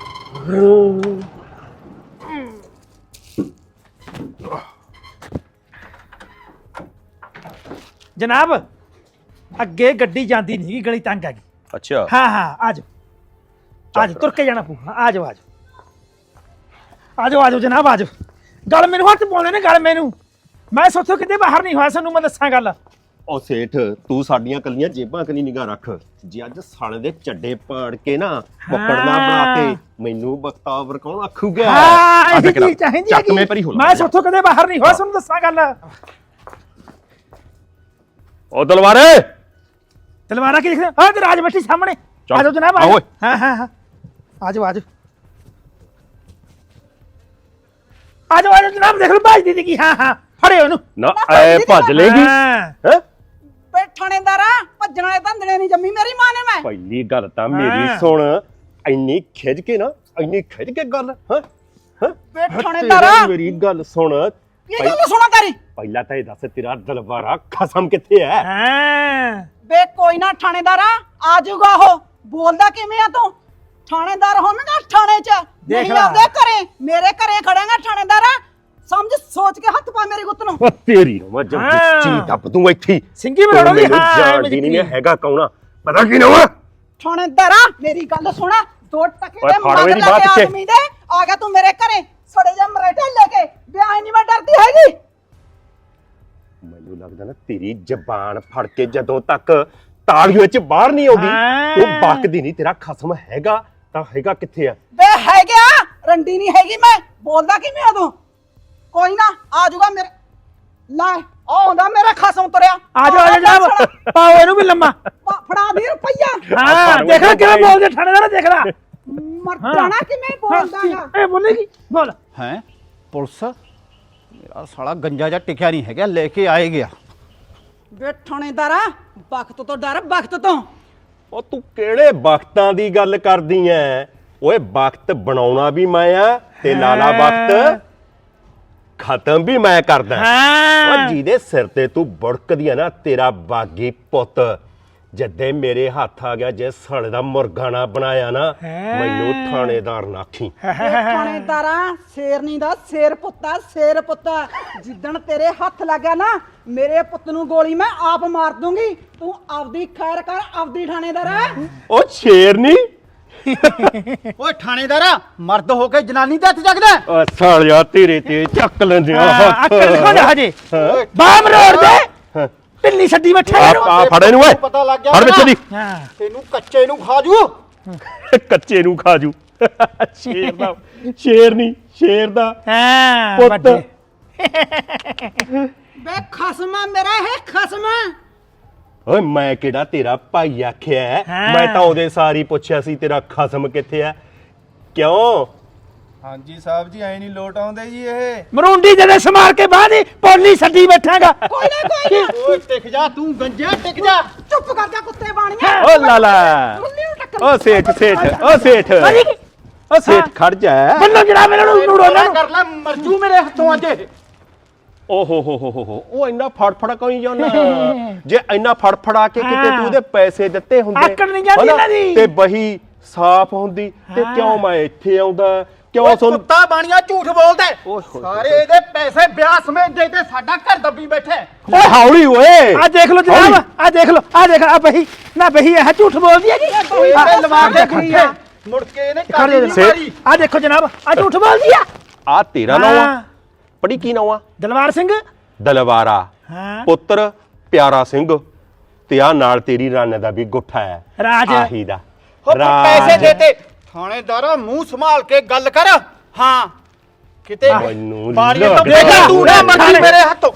D: ਜਨਾਬ ਅੱਗੇ ਗੱਡੀ ਜਾਂਦੀ ਨਹੀਂ, ਗਲੀ ਤੰਗ ਆ ਗਈ।
A: ਅੱਛਾ
D: ਹਾਂ ਆ ਜਾਓ ਤੁਰ ਕੇ ਜਾਣਾ ਪਊ। ਆ ਜਾਓ ਜਨਾਬ, ਆ ਜਾਓ। ਗੱਲ ਮੈਨੂੰ ਹੱਥ ਪਾਉਂਦੇ ਨੇ, ਗੱਲ ਮੈਨੂੰ, ਮੈਂ ਸੋਚੋ ਕਿਤੇ ਬਾਹਰ ਨਹੀਂ ਹੋਇਆ, ਤੁਹਾਨੂੰ ਮੈਂ ਦੱਸਾਂ ਗੱਲ।
A: ਉਹ ਸੇਠ ਤੂੰ ਸਾਡੀਆਂ ਕੱਲੀਆਂ ਜੇਬਾਂ ਕਨੀ ਨਿਗਾਹ ਰੱਖ, ਜੇ ਅੱਜ ਸਾਲੇ ਦੇ ਚੱਡੇ ਪਾੜ ਕੇ ਨਾ ਪਕੜਨਾ ਬਣਾ ਕੇ ਮੈਨੂੰ ਬਖਤਾਵਰ ਕੌਣ ਆਖੂਗਾ?
D: ਹਾਂ ਇਹ ਚੀਜ਼ ਚਾਹੀਦੀ
A: ਚੱਕ ਮੇ ਪਰੀ ਹੋ
D: ਮੈਂ ਸੋਚੋ ਕਿਤੇ ਬਾਹਰ ਨਹੀਂ ਹੋਇਆ, ਤੁਹਾਨੂੰ ਦੱਸਾਂ ਗੱਲ।
A: ਉਹ ਦਲਵਾਰੇ
D: ਤਲਵਾਰਾਂ ਕੀ ਦੇਖਦੇ? ਹਾਂ ਤੇ ਰਾਜ ਬੈਠੀ ਸਾਹਮਣੇ। ਆ ਜਾਓ ਜਨਾਬ,
A: ਆਓ।
D: ਹਾਂ ਆ ਜਾਓ ਜਨਾਬ, ਦੇਖ ਲਓ ਭਾਜ ਦੀਦੀ ਕੀ। ਹਾਂ ਫੜੇ ਉਹਨੂੰ
A: ਨਾ ਐ ਭੱਜ ਲੇਗੀ ਹੈ।
B: ਬੇ ਥਾਣੇਦਾਰਾ, ਭੱਜਣ ਵਾਲੇ ਧੰਦੜੇ ਨਹੀਂ ਜੰਮੀ ਮੇਰੀ ਮਾਂ ਨੇ। ਮੈਂ
A: ਪਹਿਲੀ ਗੱਲ ਤਾਂ ਮੇਰੀ ਸੁਣ, ਇੰਨੀ ਖਿੱਚ ਕੇ ਗੱਲ
B: ਬੇ ਥਾਣੇਦਾਰਾ,
A: ਮੇਰੀ ਗੱਲ ਸੁਣ।
B: ਇਹ ਗੱਲ ਸੁਣਾ ਤੇਰੀ।
A: ਪਹਿਲਾਂ ਤਾਂ ਇਹ ਦੱਸ ਤੇਰਾ ਦਲਵਾਰਾ ਖਸਮ ਕਿੱਥੇ ਹੈ?
D: ਹਾਂ
B: ਬੇ ਕੋਈ ਨਾ ਥਾਣੇਦਾਰਾ, ਆ ਜਾਊਗਾ ਉਹ। ਬੋਲਦਾ ਕਿਵੇਂ ਆ ਤੂੰ? ਥਾਣੇਦਾਰ ਹੋਵੇਂਗਾ ਥਾਣੇ 'ਚ, ਨਹੀਂ ਆਉਂਦੇ ਘਰੇ। ਮੇਰੇ ਘਰੇ ਖੜੇਗਾ ਥਾਣੇਦਾਰਾ, ਸਮਝ ਸੋਚ ਕੇ ਹੱਥ ਪਾ ਮੇਰੀ ਗੁੱਤ ਨੂੰ।
A: ਉਹ ਤੇਰੀ ਨੂੰ ਮੈਂ ਚੀ ਦੱਬ ਦੂੰ ਇੱਥੇ।
D: ਸਿੰਘੀ ਬਣਾਉਣਾ ਦੀ। ਹਾਂ
A: ਜਾਣਦੀ ਨਹੀਂ ਹੈਗਾ ਕੌਣਾ, ਪਤਾ ਕੀ ਨਾ ਵਾ?
B: ਥਾਣੇਦਾਰਾ ਮੇਰੀ ਗੱਲ ਸੁਣਾ, 2 ਟਕੇ
A: ਓਏ
B: ਦੇ
A: ਫੜ
B: ਮਗਰ
A: ਮੇਰੀ
B: ਲੱਗੇ
A: ਬਾਤ ਪਿੱਛੇ।
B: ਆਦਮੀ ਦੇ ਆ ਗਿਆ ਤੂੰ ਮੇਰੇ ਘਰੇ, ਸੜੇ ਜਾਂ ਮਰੇਟੇ ਲੈ ਕੇ। ਵਿਆਹ ਨਹੀਂ ਮੈਂ ਡਰਦੀ ਹੈਗੀ।
A: ਮੈਨੂੰ ਲੱਗਦਾ ਨਾ ਤੇਰੀ ਜ਼ਬਾਨ ਫੜ ਕੇ ਜਦੋਂ ਤੱਕ ਤਾਲੀਆਂ 'ਚ ਬਾਹਰ ਨਹੀਂ ਆਉਂਦੀ ਉਹ ਬਕਦੀ ਨਹੀਂ। ਤੇਰਾ ਖਸਮ ਹੈਗਾ ਤਾਂ ਹੈਗਾ ਕਿੱਥੇ ਆ?
B: ਬੇ ਹੈ ਗਿਆ, ਰੰਡੀ ਨਹੀਂ ਹੈਗੀ ਮੈਂ। ਬੋਲਦਾ ਕਿਵੇਂ ਆ ਤੂੰ? ਕੋਈ ਨਾ ਆ ਜਾਊਗਾ ਮੇਰੇ। ਲੈ ਆਉਂਦਾ ਮੇਰਾ ਖਸਮ ਤੁਰਿਆ।
D: ਆ ਜਾਓ ਜਨਾਬ, ਪਾਓ ਇਹਨੂੰ ਵੀ ਲੰਮਾ।
B: ਫੜਾ ਦੇ ਰੁਪਈਆ।
D: ਹਾਂ ਦੇਖ ਲੈ ਕਿਵੇਂ ਬੋਲਦੇ ਥਾਣੇਦਾਰ, ਦੇਖ ਲੈ
B: ਮਰ ਜਾਣਾ ਕਿਵੇਂ ਬੋਲਦਾਗਾ।
D: ਇਹ ਬੋਲੇਗੀ ਬੋਲ।
F: ਹੈ ਪੁਲਿਸ ਮੇਰਾ ਸਾਲਾ ਗੰਜਾ ਜਾਂ ਟਿਕਿਆ ਨਹੀਂ ਹੈਗਾ, ਲੈ ਕੇ ਆਏ ਗਿਆ।
B: ਬੇ ਥਾਣੇਦਾਰਾ, ਵਕਤ ਤੋਂ ਡਰ, ਵਕਤ ਤੋਂ।
A: ਉਹ ਤੂੰ ਕਿਹੜੇ ਵਕਤਾਂ ਦੀ ਗੱਲ ਕਰਦੀ ਐ? ਓਏ ਵਕਤ ਬਣਾਉਣਾ ਵੀ ਮੈਂ ਆ ਤੇ ਲਾਲਾ ਵਕਤ ਖਤਮ ਵੀ ਮੈਂ ਕਰਦਾ। ਉਹ ਜਿਹਦੇ ਸਿਰ ਤੇ ਤੂੰ ਬੁੜਕਦੀ ਆ ਨਾ, ਤੇਰਾ ਬਾਗੀ ਪੁੱਤ ਜਦੇ ਮੇਰੇ ਹੱਥ ਆ ਗਿਆ, ਜੇ ਸਾਲੇ ਦਾ ਮੁਰਗਾ ਨਾ ਬਣਾਇਆ ਨਾ, ਮੈਨੂੰ ਥਾਣੇਦਾਰ ਨਾ ਆਖੀ।
B: ਥਾਣੇਦਾਰਾ ਸ਼ੇਰਨੀ ਦਾ ਸ਼ੇਰ ਪੁੱਤਾ, ਸ਼ੇਰ ਪੁੱਤਾ। ਜਿੱਦਣ ਤੇਰੇ ਹੱਥ ਲੱਗਾ ਨਾ, ਮੇਰੇ ਪੁੱਤ ਨੂੰ ਗੋਲੀ ਮੈਂ ਆਪ ਮਾਰ ਦੂੰਗੀ। ਤੂੰ ਆਪਦੀ ਖੈਰ ਕਰ, ਆਪਦੀ ਥਾਣੇਦਾਰਾ।
A: ਉਹ ਸ਼ੇਰਨੀ
F: ਓਏ ਥਾਣੇਦਾਰਾ, ਮਰਦ ਹੋ ਕੇ ਜਨਾਨੀ ਦੇ ਹੱਥ ਜਗਦਾ।
A: ਓ ਸਾਲਿਆ ਤੇਰੇ ਤੇ ਚੱਕ ਲੈਂਦੇ ਆ ਹੱਥ।
D: ਅਕਲ ਦਿਖਾ ਦੇ ਹਜੇ, ਬਾਮ ਰੋੜ ਦੇ, ਢਿੱਲੀ ਛੱਡੀ ਬੈਠਾ
A: ਆ ਫੜ ਇਹਨੂੰ ਓਏ,
F: ਪਤਾ ਲੱਗ ਗਿਆ
A: ਫੜ ਵਿੱਚ ਦੀ।
F: ਤੈਨੂੰ ਕੱਚੇ ਨੂੰ ਖਾ ਜੂ।
A: ਕੱਚੇ ਨੂੰ ਖਾਜੂ। ਸ਼ੇਰ ਦਾ ਸ਼ੇਰ ਨਹੀਂ, ਸ਼ੇਰ ਦਾ
D: ਹਾਂ
A: ਪੁੱਤ।
D: ਵੱਡੇ
B: ਬੇ ਖਸਮਾ ਮੇਰਾ ਇਹ ਖਸਮਾ।
G: ਓਏ ਮੈਂ ਕਿਹੜਾ ਤੇਰਾ ਭਾਈ ਆਖਿਆ ਹੈ? ਮੈਂ ਤਾਂ ਉਹਦੇ ਸਾਰੀ ਪੁੱਛਿਆ ਸੀ ਤੇਰਾ ਖਸਮ ਕਿੱਥੇ ਆ ਕਿਉਂ
F: ਹਾਂਜੀ ਸਾਹਿਬ ਜੀ ਐ ਨਹੀਂ ਲੋਟ ਆਉਂਦੇ ਜੀ ਇਹ।
D: ਮਰੂੰਡੀ ਜਦੇ ਸਮਾਰ ਕੇ ਬਾਹਰ ਹੀ ਪੋਲੀ ਛੱਡੀ ਬੈਠਾਂਗਾ।
B: ਕੋਈ ਨਾ
F: ਓਏ ਟਿਕ ਜਾ ਤੂੰ ਗੰਜਿਆ ਟਿਕ ਜਾ।
B: ਚੁੱਪ ਕਰ ਜਾ ਕੁੱਤੇ ਬਾਣੀਆਂ।
G: ਓ ਲਾਲਾ
B: ਮੁੰਨੀ ਨੂੰ ਟੱਕਰ
G: ਓ ਸੇਠ ਓ ਸੇਠ ਖੜ ਜਾ
D: ਬੰਨੋ ਜਿਹੜਾ ਮੇਰੇ ਨੂੰ ਨੂੜੋ ਨਾ
F: ਕਰ ਲੈ ਮਰਜੂ ਮੇਰੇ ਹੱਥੋਂ ਅੱਜ ਇਹ।
G: ਓ ਹੋ ਉਹ ਇੰਨਾ ਫੜਫੜਾ ਕੋਈ ਜਾਂਦਾ ਜੇ ਇੰਨਾ ਫੜਫੜਾ ਕੇ ਕਿਤੇ ਤੂੰ ਉਹਦੇ ਪੈਸੇ ਦਿੱਤੇ ਹੁੰਦੇ
D: ਆਕੜ ਨਹੀਂ ਜਾਂਦੀ
G: ਹਨਾ,
D: ਇਹਨਾਂ ਦੀ।
G: ਤੇ ਬਹੀ ਸਾਫ਼ ਹੁੰਦੀ ਤੇ ਕਿਉਂ ਮੈਂ ਇੱਥੇ ਆਉਂਦਾ ਕਿਉਂ
F: ਓਏ
G: ਤੁਹਾਨੂੰ
F: ਕੁੱਤਾ ਬਾਣੀਆ ਝੂਠ ਬੋਲਦਾ ਹੈ।
G: ਓਏ ਹੋਏ
F: ਸਾਰੇ ਇਹਦੇ ਪੈਸੇ ਵਿਆਹ ਸਮੇਤ ਦੇ ਤੇ ਸਾਡਾ ਘਰ ਦੱਬੀ ਬੈਠਾ ਹੈ।
G: ਓਏ ਹੌਲੀ ਓਏ
D: ਆ ਦੇਖ ਲਓ ਜਨਾਬ, ਆ ਦੇਖ ਲਓ, ਆ ਦੇਖ ਆ ਬਹੀ ਨਾ ਬਹੀ ਇਹ ਝੂਠ ਬੋਲਦੀ ਹੈ ਜੀ।
F: ਇਹ ਲਵਾ ਕੇ ਖੱਟੇ ਮੁੜ ਕੇ ਇਹਨੇ
D: ਖੜੇ
F: ਕਾਲੀ ਨਹੀਂ
G: ਸੇ-
F: ਮਾਰੀ।
D: ਆ ਦੇਖੋ ਜਨਾਬ, ਆ ਝੂਠ ਬੋਲਦੀ ਆ।
G: ਆ ਤੇਰਾ ਨਾਮ ਆ
D: ਹਾਂ।
G: ਪੜੀ ਕੀ ਨਾਮ ਆ
D: ਦਲਵਾਰ ਸਿੰਘ।
G: ਦਲਵਾਰਾ
D: ਹਾਂ
G: ਪੁੱਤਰ ਪਿਆਰਾ ਸਿੰਘ ਤੇ ਆ ਨਾਲ ਤੇਰੀ ਰੰਨ ਦਾ ਵੀ ਗੁੱਠਾ ਹੈ
D: ਰਾਜ।
G: ਆਹੀ ਦਾ
F: ਹੋ ਫਿਰ ਪੈਸੇ ਦੇ ਤੇ ਥਾਣੇਦਾਰਾ ਮੂੰਹ ਸੰਭਾਲ ਕੇ ਗੱਲ ਕਰ। ਹਾਂ ਕਿਤੇ
G: ਮੈਨੂੰ
F: ਬਾਰੀਆਂ ਤੋਂ
G: ਲੱਗਦਾ-
F: ਦੇਖਾ ਤੂੰ ਨਾ ਮਰਜੀ ਮੇਰੇ ਹੱਥੋਂ।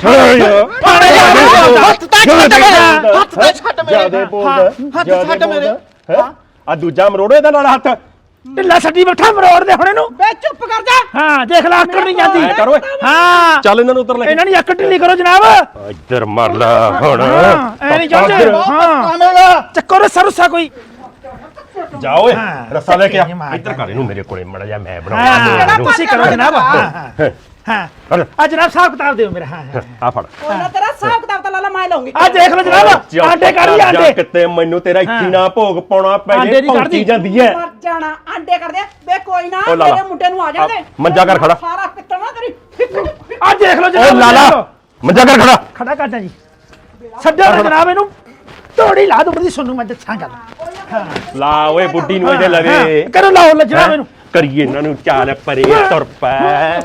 F: ਹੱਥ ਤਾਂ ਛੱਡ ਮੇਰੇ ਹੱਥ ਤਾਂ ਛੱਡ ਮੇਰੇ
G: ਜਿਆਦੇ ਬੋਲਦਾ
F: ਹੱਥ ਛੱਡ ਮੇਰੇ।
G: ਆ ਦੂਜਾ ਮਰੋੜੋ ਇਹਦਾ ਨਾਲ ਹੱਥ
D: ਢਿੱਲਾ ਛੱਡੀ ਬੈਠਾ ਮਰੋੜ ਦੇ ਹੁਣ ਇਹਨੂੰ।
B: ਬੇ ਚੁੱਪ ਕਰ ਜਾ।
D: ਹਾਂ ਦੇਖ ਲੈ ਆਕੜ ਨਹੀਂ ਜਾਂਦੀ।
G: ਐ ਕਰ ਓਏ
D: ਹਾਂ
G: ਚੱਲ ਇਹਨਾਂ ਨੂੰ ਉੱਤਰ ਲੈ
D: ਇਹਨਾਂ ਦੀ ਆਕੜ ਢਿੱਲੀ ਕਰੋ ਜਨਾਬ।
G: ਇੱਧਰ ਮਰ ਲਾ ਹੁਣ
D: ਐ ਨਹੀਂ ਜਾਂਦੇ।
G: ਇੱਧਰ
D: ਹਾਂ ਚੱਕੋ ਰੇ ਸਰੂਸਾ ਕੋਈ।
G: ਜਾ ਓਏ
D: ਹਾਂ,
G: ਰੱਸਾ ਲੈ ਕੇ ਆ
D: ਚੱਕੇ ਮਾਰ।
G: ਇੱਧਰ ਕਰ ਇਹਨੂੰ ਮੇਰੇ ਕੋਲੇ ਮੜਾ ਜਾ ਮੈਂ
D: ਹਾਂ
G: ਬਣਾਉਂਦਾ
D: ਤੁਸੀਂ ਕਰੋ ਜਨਾਬ। ਹਾਂ ਹਾਂ ਆ ਜਨਾਬ ਹਿਸਾਬ ਕਿਤਾਬ ਦਿਓ ਮੇਰਾ। ਹਾਂ
G: ਆ ਫੜ
B: ਕੋਈ ਨਾ ਤੇਰਾ ਹਿਸਾਬ ਕਿਤਾਬ ਤਾਂ ਲਾਲਾ ਮੈਂ ਲਾਉਂਗੀ।
D: ਆ ਦੇਖ ਲਓ ਜਨਾਬ, ਆਂਡੇ ਕਰ ਲਈ ਆਂਡੇ।
G: ਕਿਤੇ ਮੈਨੂੰ ਤੇਰਾ ਇੱਥੇ ਨਾ ਭੋਗ ਪਾਉਣਾ ਪੈ
D: ਆਂਡੇ
G: ਜੇ
D: ਦੀ ਕੱਢ
G: ਭੌਂਕੀ
D: ਦੀ।
G: ਜਾਂਦੀ ਐ
B: ਮਰ ਜਾਣਾ ਆਂਡੇ ਕਰਦੇ ਆ। ਬੇ ਕੋਈ ਨਾ
G: ਓ ਲਾਲਾ,
B: ਮੇਰੇ ਮੁੰਡੇ ਨੂੰ ਆ ਜਾਂਦੇ।
G: ਆ ਮੰਜਾ ਕਰ ਖੜਾ।
B: ਸਾਰਾ ਪਿੱਤਲ ਨਾ ਤੇਰੀ
D: ਆ ਦੇਖ ਲਓ
G: ਓ
D: ਜਨਾਬ।
G: ਲਾਲਾ ਮੰਜਾ ਕਰ ਖੜਾ
D: ਖੜਾ ਕਰਦਾ ਜੀ। ਛੱਡੋ ਨਾ ਜਨਾਬ ਇਹਨੂੰ। ਤੋੜੀ ਲਾ ਦੋ ਬੜੀ ਸੁਣੂ ਮੈਂ ਦੱਸਾਂ ਗੱਲ।
G: ਲਾ ਓਏ ਬੁੱਢੀ ਨੂੰ ਇਹਦੇ ਲਵੇ
D: ਹਾਂ, ਕਰੋ ਲਾਓ ਲੈ ਜਨਾਬ ਇਹਨੂੰ।
G: ਕਰੀਏ ਇਹਨਾਂ ਨੂੰ ਚਾਲ ਪਰੇ ਤੁਰ ਪੈ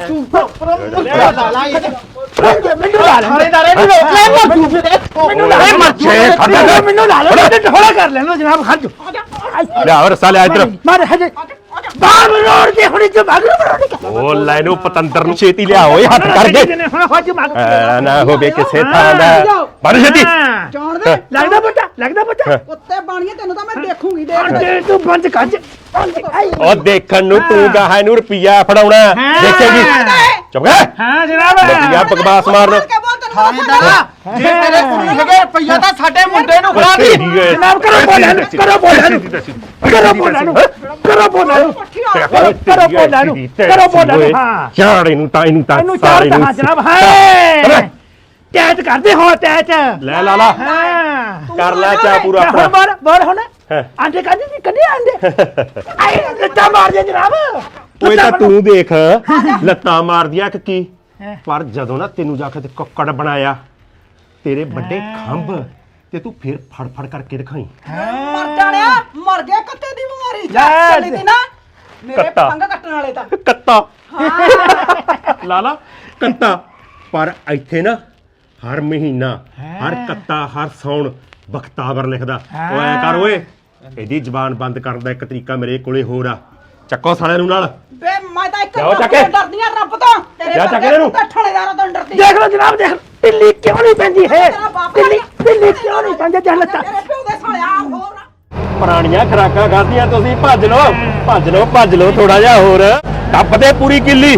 D: ਮੈਨੂੰ ਲਾ ਲੈ ਥਾਣੇਦਾਰੇ ਨੂੰ ਰੋਕ ਲੈ ਮਰਜੂ ਫਿਰ। ਮੈਨੂੰ ਲਾ ਲੈ
G: ਮਰਜੇ
D: ਮੈਨੂੰ ਲਾ ਲੈ ਮੈਨੂੰ ਥੋੜਾ ਕਰ ਲੈਣ ਦਿਓ ਜਨਾਬ। ਖੜ ਜਾ
G: ਲੈ ਹੋਰ ਰਸਾ ਲੈ ਇੱਧਰ
D: ਮਾਰ ਹਜੇ ਬਾਹਰ ਰੋੜ ਕੇ ਹੁਣੀ ਚ ਭਾਗ ਰੋੜ
G: ਓ ਲੈ ਨੂੰ ਪਤੰਦਰ ਨੂੰ ਛੇਤੀ ਲਿਆ ਓਏ ਹੱਥ ਕਰ ਦੇ
D: ਹੁਣ ਹੱਜ ਮਾਰ
G: ਐ ਨਾ ਹੋਵੇ ਕਿਸੇ ਥਾਂ ਦਾ ਬਣ ਛੇਤੀ
B: ਜਾਣ ਦੇ।
D: ਲੱਗਦਾ ਬੱਟਾ
B: ਕੁੱਤੇ ਬਾਣੀਏ ਤੈਨੂੰ ਤਾਂ ਮੈਂ ਦੇਖੂਗੀ ਦੇਖ ਲੈ।
D: ਦੇ ਤੂੰ ਬੰਦ ਕੱਜ
G: ਓ ਦੇਖਣ ਨੂੰ ਤੂੰ ਗਾਹਾਂ ਨੂੰ ਰੁਪਿਆ ਫੜਾਉਣਾ ਦੇਖੇਗੀ ਚੁੱਪ ਕਰ
D: ਹਾਂ ਜਨਾਬ।
G: ਲੱਗਿਆ ਬਕਵਾਸ ਮਾਰਨ
B: ਕੇ ਬੋਲ ਤੈਨੂੰ
F: ਥਾਣੇਦਾਰਾ ਜੇ ਤੇਰੇ ਕੋਲ ਹੈਗੇ ਰੁਪਈਆ ਤਾਂ ਸਾਡੇ ਮੁੰਡੇ ਨੂੰ ਖਵਾ ਦੀ।
D: ਜਨਾਬ ਕਰੋ ਬੋਲਾਂ ਨੂੰ ਕਰੋ ਬੋਲਾਂ ਨੂੰ ਕਰੋ ਬੋਲਾਂ ਨੂੰ ਕਰੋ ਬੋਲਾਂ ਨੂੰ ਕਰੋ ਬੋਲਾਂ ਨੂੰ ਕਰੋ ਬੋਲਾਂ ਨੂੰ। ਹਾਂ
G: ਚਾੜ ਇਹਨੂੰ ਤਾਂ
D: ਇਹਨੂੰ ਚਾਰ
G: ਸਾਰੇ
D: ਤਾਂ
G: ਨੂੰ
D: ਜਨਾਬ। ਹਾਏ ਟੈਟ ਕਰਦੇ ਹੋ ਟੈਟ।
G: ਲੈ ਲਾਲਾ
D: ਹਾਂ
G: ਕਰ ਲੈ ਚਾ ਪੂਰਾ
D: ਹੁਣ
G: ਆਪਣਾ
D: ਬਾਰ ਬਾਰ ਹੁਣ
G: ਹਾਂ।
D: ਆਂਡੇ ਕੱਢ ਦੀ ਕੱਢੇ ਆਂਡੇ। ਆਏ ਲੱਤਾਂ ਮਾਰ ਦੇ ਜਨਾਬ।
G: ਓਏ ਤਾਂ ਤੂੰ ਦੇਖ ਲੱਤਾਂ ਮਾਰਦੀਆਂ ਕਿ ਕੀ
D: ਹੈਂ।
G: ਪਰ ਜਦੋਂ ਨਾ ਤੈਨੂੰ ਜਾ ਕੇ ਤੇ ਕੁੱਕੜ ਬਣਾਇਆ ਤੇਰੇ ਵੱਡੇ ਖੰਭ ਤੇ ਤੂੰ ਫਿਰ ਫੜ ਫੜ ਕਰਕੇ ਦਿਖਾਈ
B: ਮਰ ਜਾਣਿਆ ਮਰ ਗਿਆ ਕੁੱਤੇ ਦੀ ਬਿਮਾਰੀ
D: ਲੈ
B: ਚੱਲੀ ਦੀ ਨਾ ਮੇਰੇ
G: ਕੱਤਾ।
B: ਪਤੰਗ ਕੱਟਣ ਵਾਲੇ ਤਾਂ
G: ਕੱਤਾ ਲਾਲਾ ਕੱਤਾ ਪਰ ਇੱਥੇ ਨਾ ਹਰ ਮਹੀਨਾ ਹਰ ਕੱਤਾ ਹਰ ਸੌਣ ਬਖਤਾਵਰ ਲਿਖਦਾ ਓ ਐ ਕਰ ਓਏ ਇਹਦੀ ਜ਼ਬਾਨ ਬੰਦ ਕਰਨ ਦਾ ਇੱਕ ਤਰੀਕਾ ਮੇਰੇ ਕੋਲੇ ਹੋਰ ਆ ਚੱਕੋ ਸਾਲਿਆਂ ਨੂੰ ਨਾਲ
B: ਬੇ ਮੈਂ ਤਾਂ ਇੱਕ
G: ਜਾਓ ਚੱਕ
B: ਤੋਂ
G: ਕੇ।
B: ਡਰਦੀ ਆ ਰੱਬ ਤੋਂ ਤੇਰੇ
G: ਜਾ ਚੱਕ
B: ਵਰਗੇ
G: ਇਹਨੂੰ।
B: ਕੁੱਤੇ ਠਾਣੇਦਾਰਾਂ ਤੋਂ ਡਰਦੀ
D: ਦੇਖ ਲਓ ਜਨਾਬ ਦੇਖ ਢਿੱਲੀ ਕਿਉਂ ਨਹੀਂ ਪੈਂਦੀ ਹੈ
B: ਤੇਰਾ ਬਾਪ
D: ਢਿੱਲੀ ਕਿਉਂ ਨਹੀਂ ਪੈਂਦੀ ਚੱਲ ਲੱਤਾਂ।
B: ਤੇਰੇ ਪਿਓ ਦੇ ਸਾਲਿਆ ਹੋਰ ਨਾ
G: ਪੁਰਾਣੀਆਂ ਖਰਾਕਾਂ ਖਾਧੀਆਂ ਤੁਸੀਂ ਭੱਜ ਲਓ ਥੋੜਾ ਜਿਹਾ ਹੋਰ ਟੱਪਦੇ ਪੂਰੀ ਕਿੱਲੀ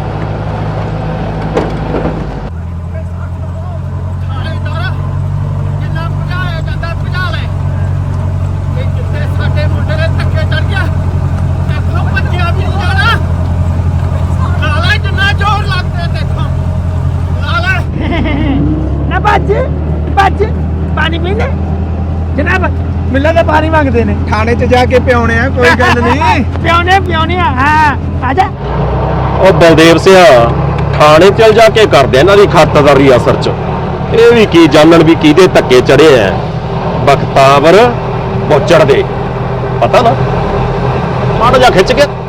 F: ਥਾਣੇਦਾਰਾ ਜਿੰਨਾ ਭਜਾਇਆ ਜਾਂਦਾ ਭਜਾ ਲੈ। ਇਹ ਕਿੱਥੇ ਸਾਡੇ ਮੁੰਡੇ ਦੇ ਧੱਕੇ ਚੜ ਗਿਆ। ਦੇਖੋ ਭੱਜਿਆ ਵੀ ਨਹੀਂ ਜਾਣਾ। ਲਾ ਲੈ ਜਿੰਨਾ ਜ਼ੋਰ ਲੱਗਦੇ ਦੇਖੋ। ਲਾ ਲੈ।
D: ਨਾ ਭੱਜ ਪਾਣੀ ਪੀਣੇ ਜਨਾਬ। ਮਿੱਲਾਂ ਦਾ ਪਾਣੀ ਮੰਗਦੇ ਨੇ।
F: ਥਾਣੇ 'ਚ ਜਾ ਕੇ ਪਿਆਉਣੇ ਆ ਕੋਈ ਗੱਲ ਨਹੀਂ।
D: ਪਿਉਣੇ ਹਾਂ ਆ ਜਾ।
G: ਉਹ ਬਲਦੇਵ ਸਿਆ ਥਾਣੇ ਚਲ ਜਾ ਕੇ ਕਰਦੇ ਇਹਨਾਂ ਦੀ ਖਾਤਰਦਾਰੀ ਅਸਰ ਚ ਇਹ ਵੀ ਕੀ ਜਾਣਨ ਵੀ ਕਿਹਦੇ ਧੱਕੇ ਚੜੇ ਐ ਬਖਤਾਵਰ ਬੋਚੜ ਦੇ ਪਤਾ ਨਾ ਮਾੜਾ ਜਾ ਖਿੱਚ ਕੇ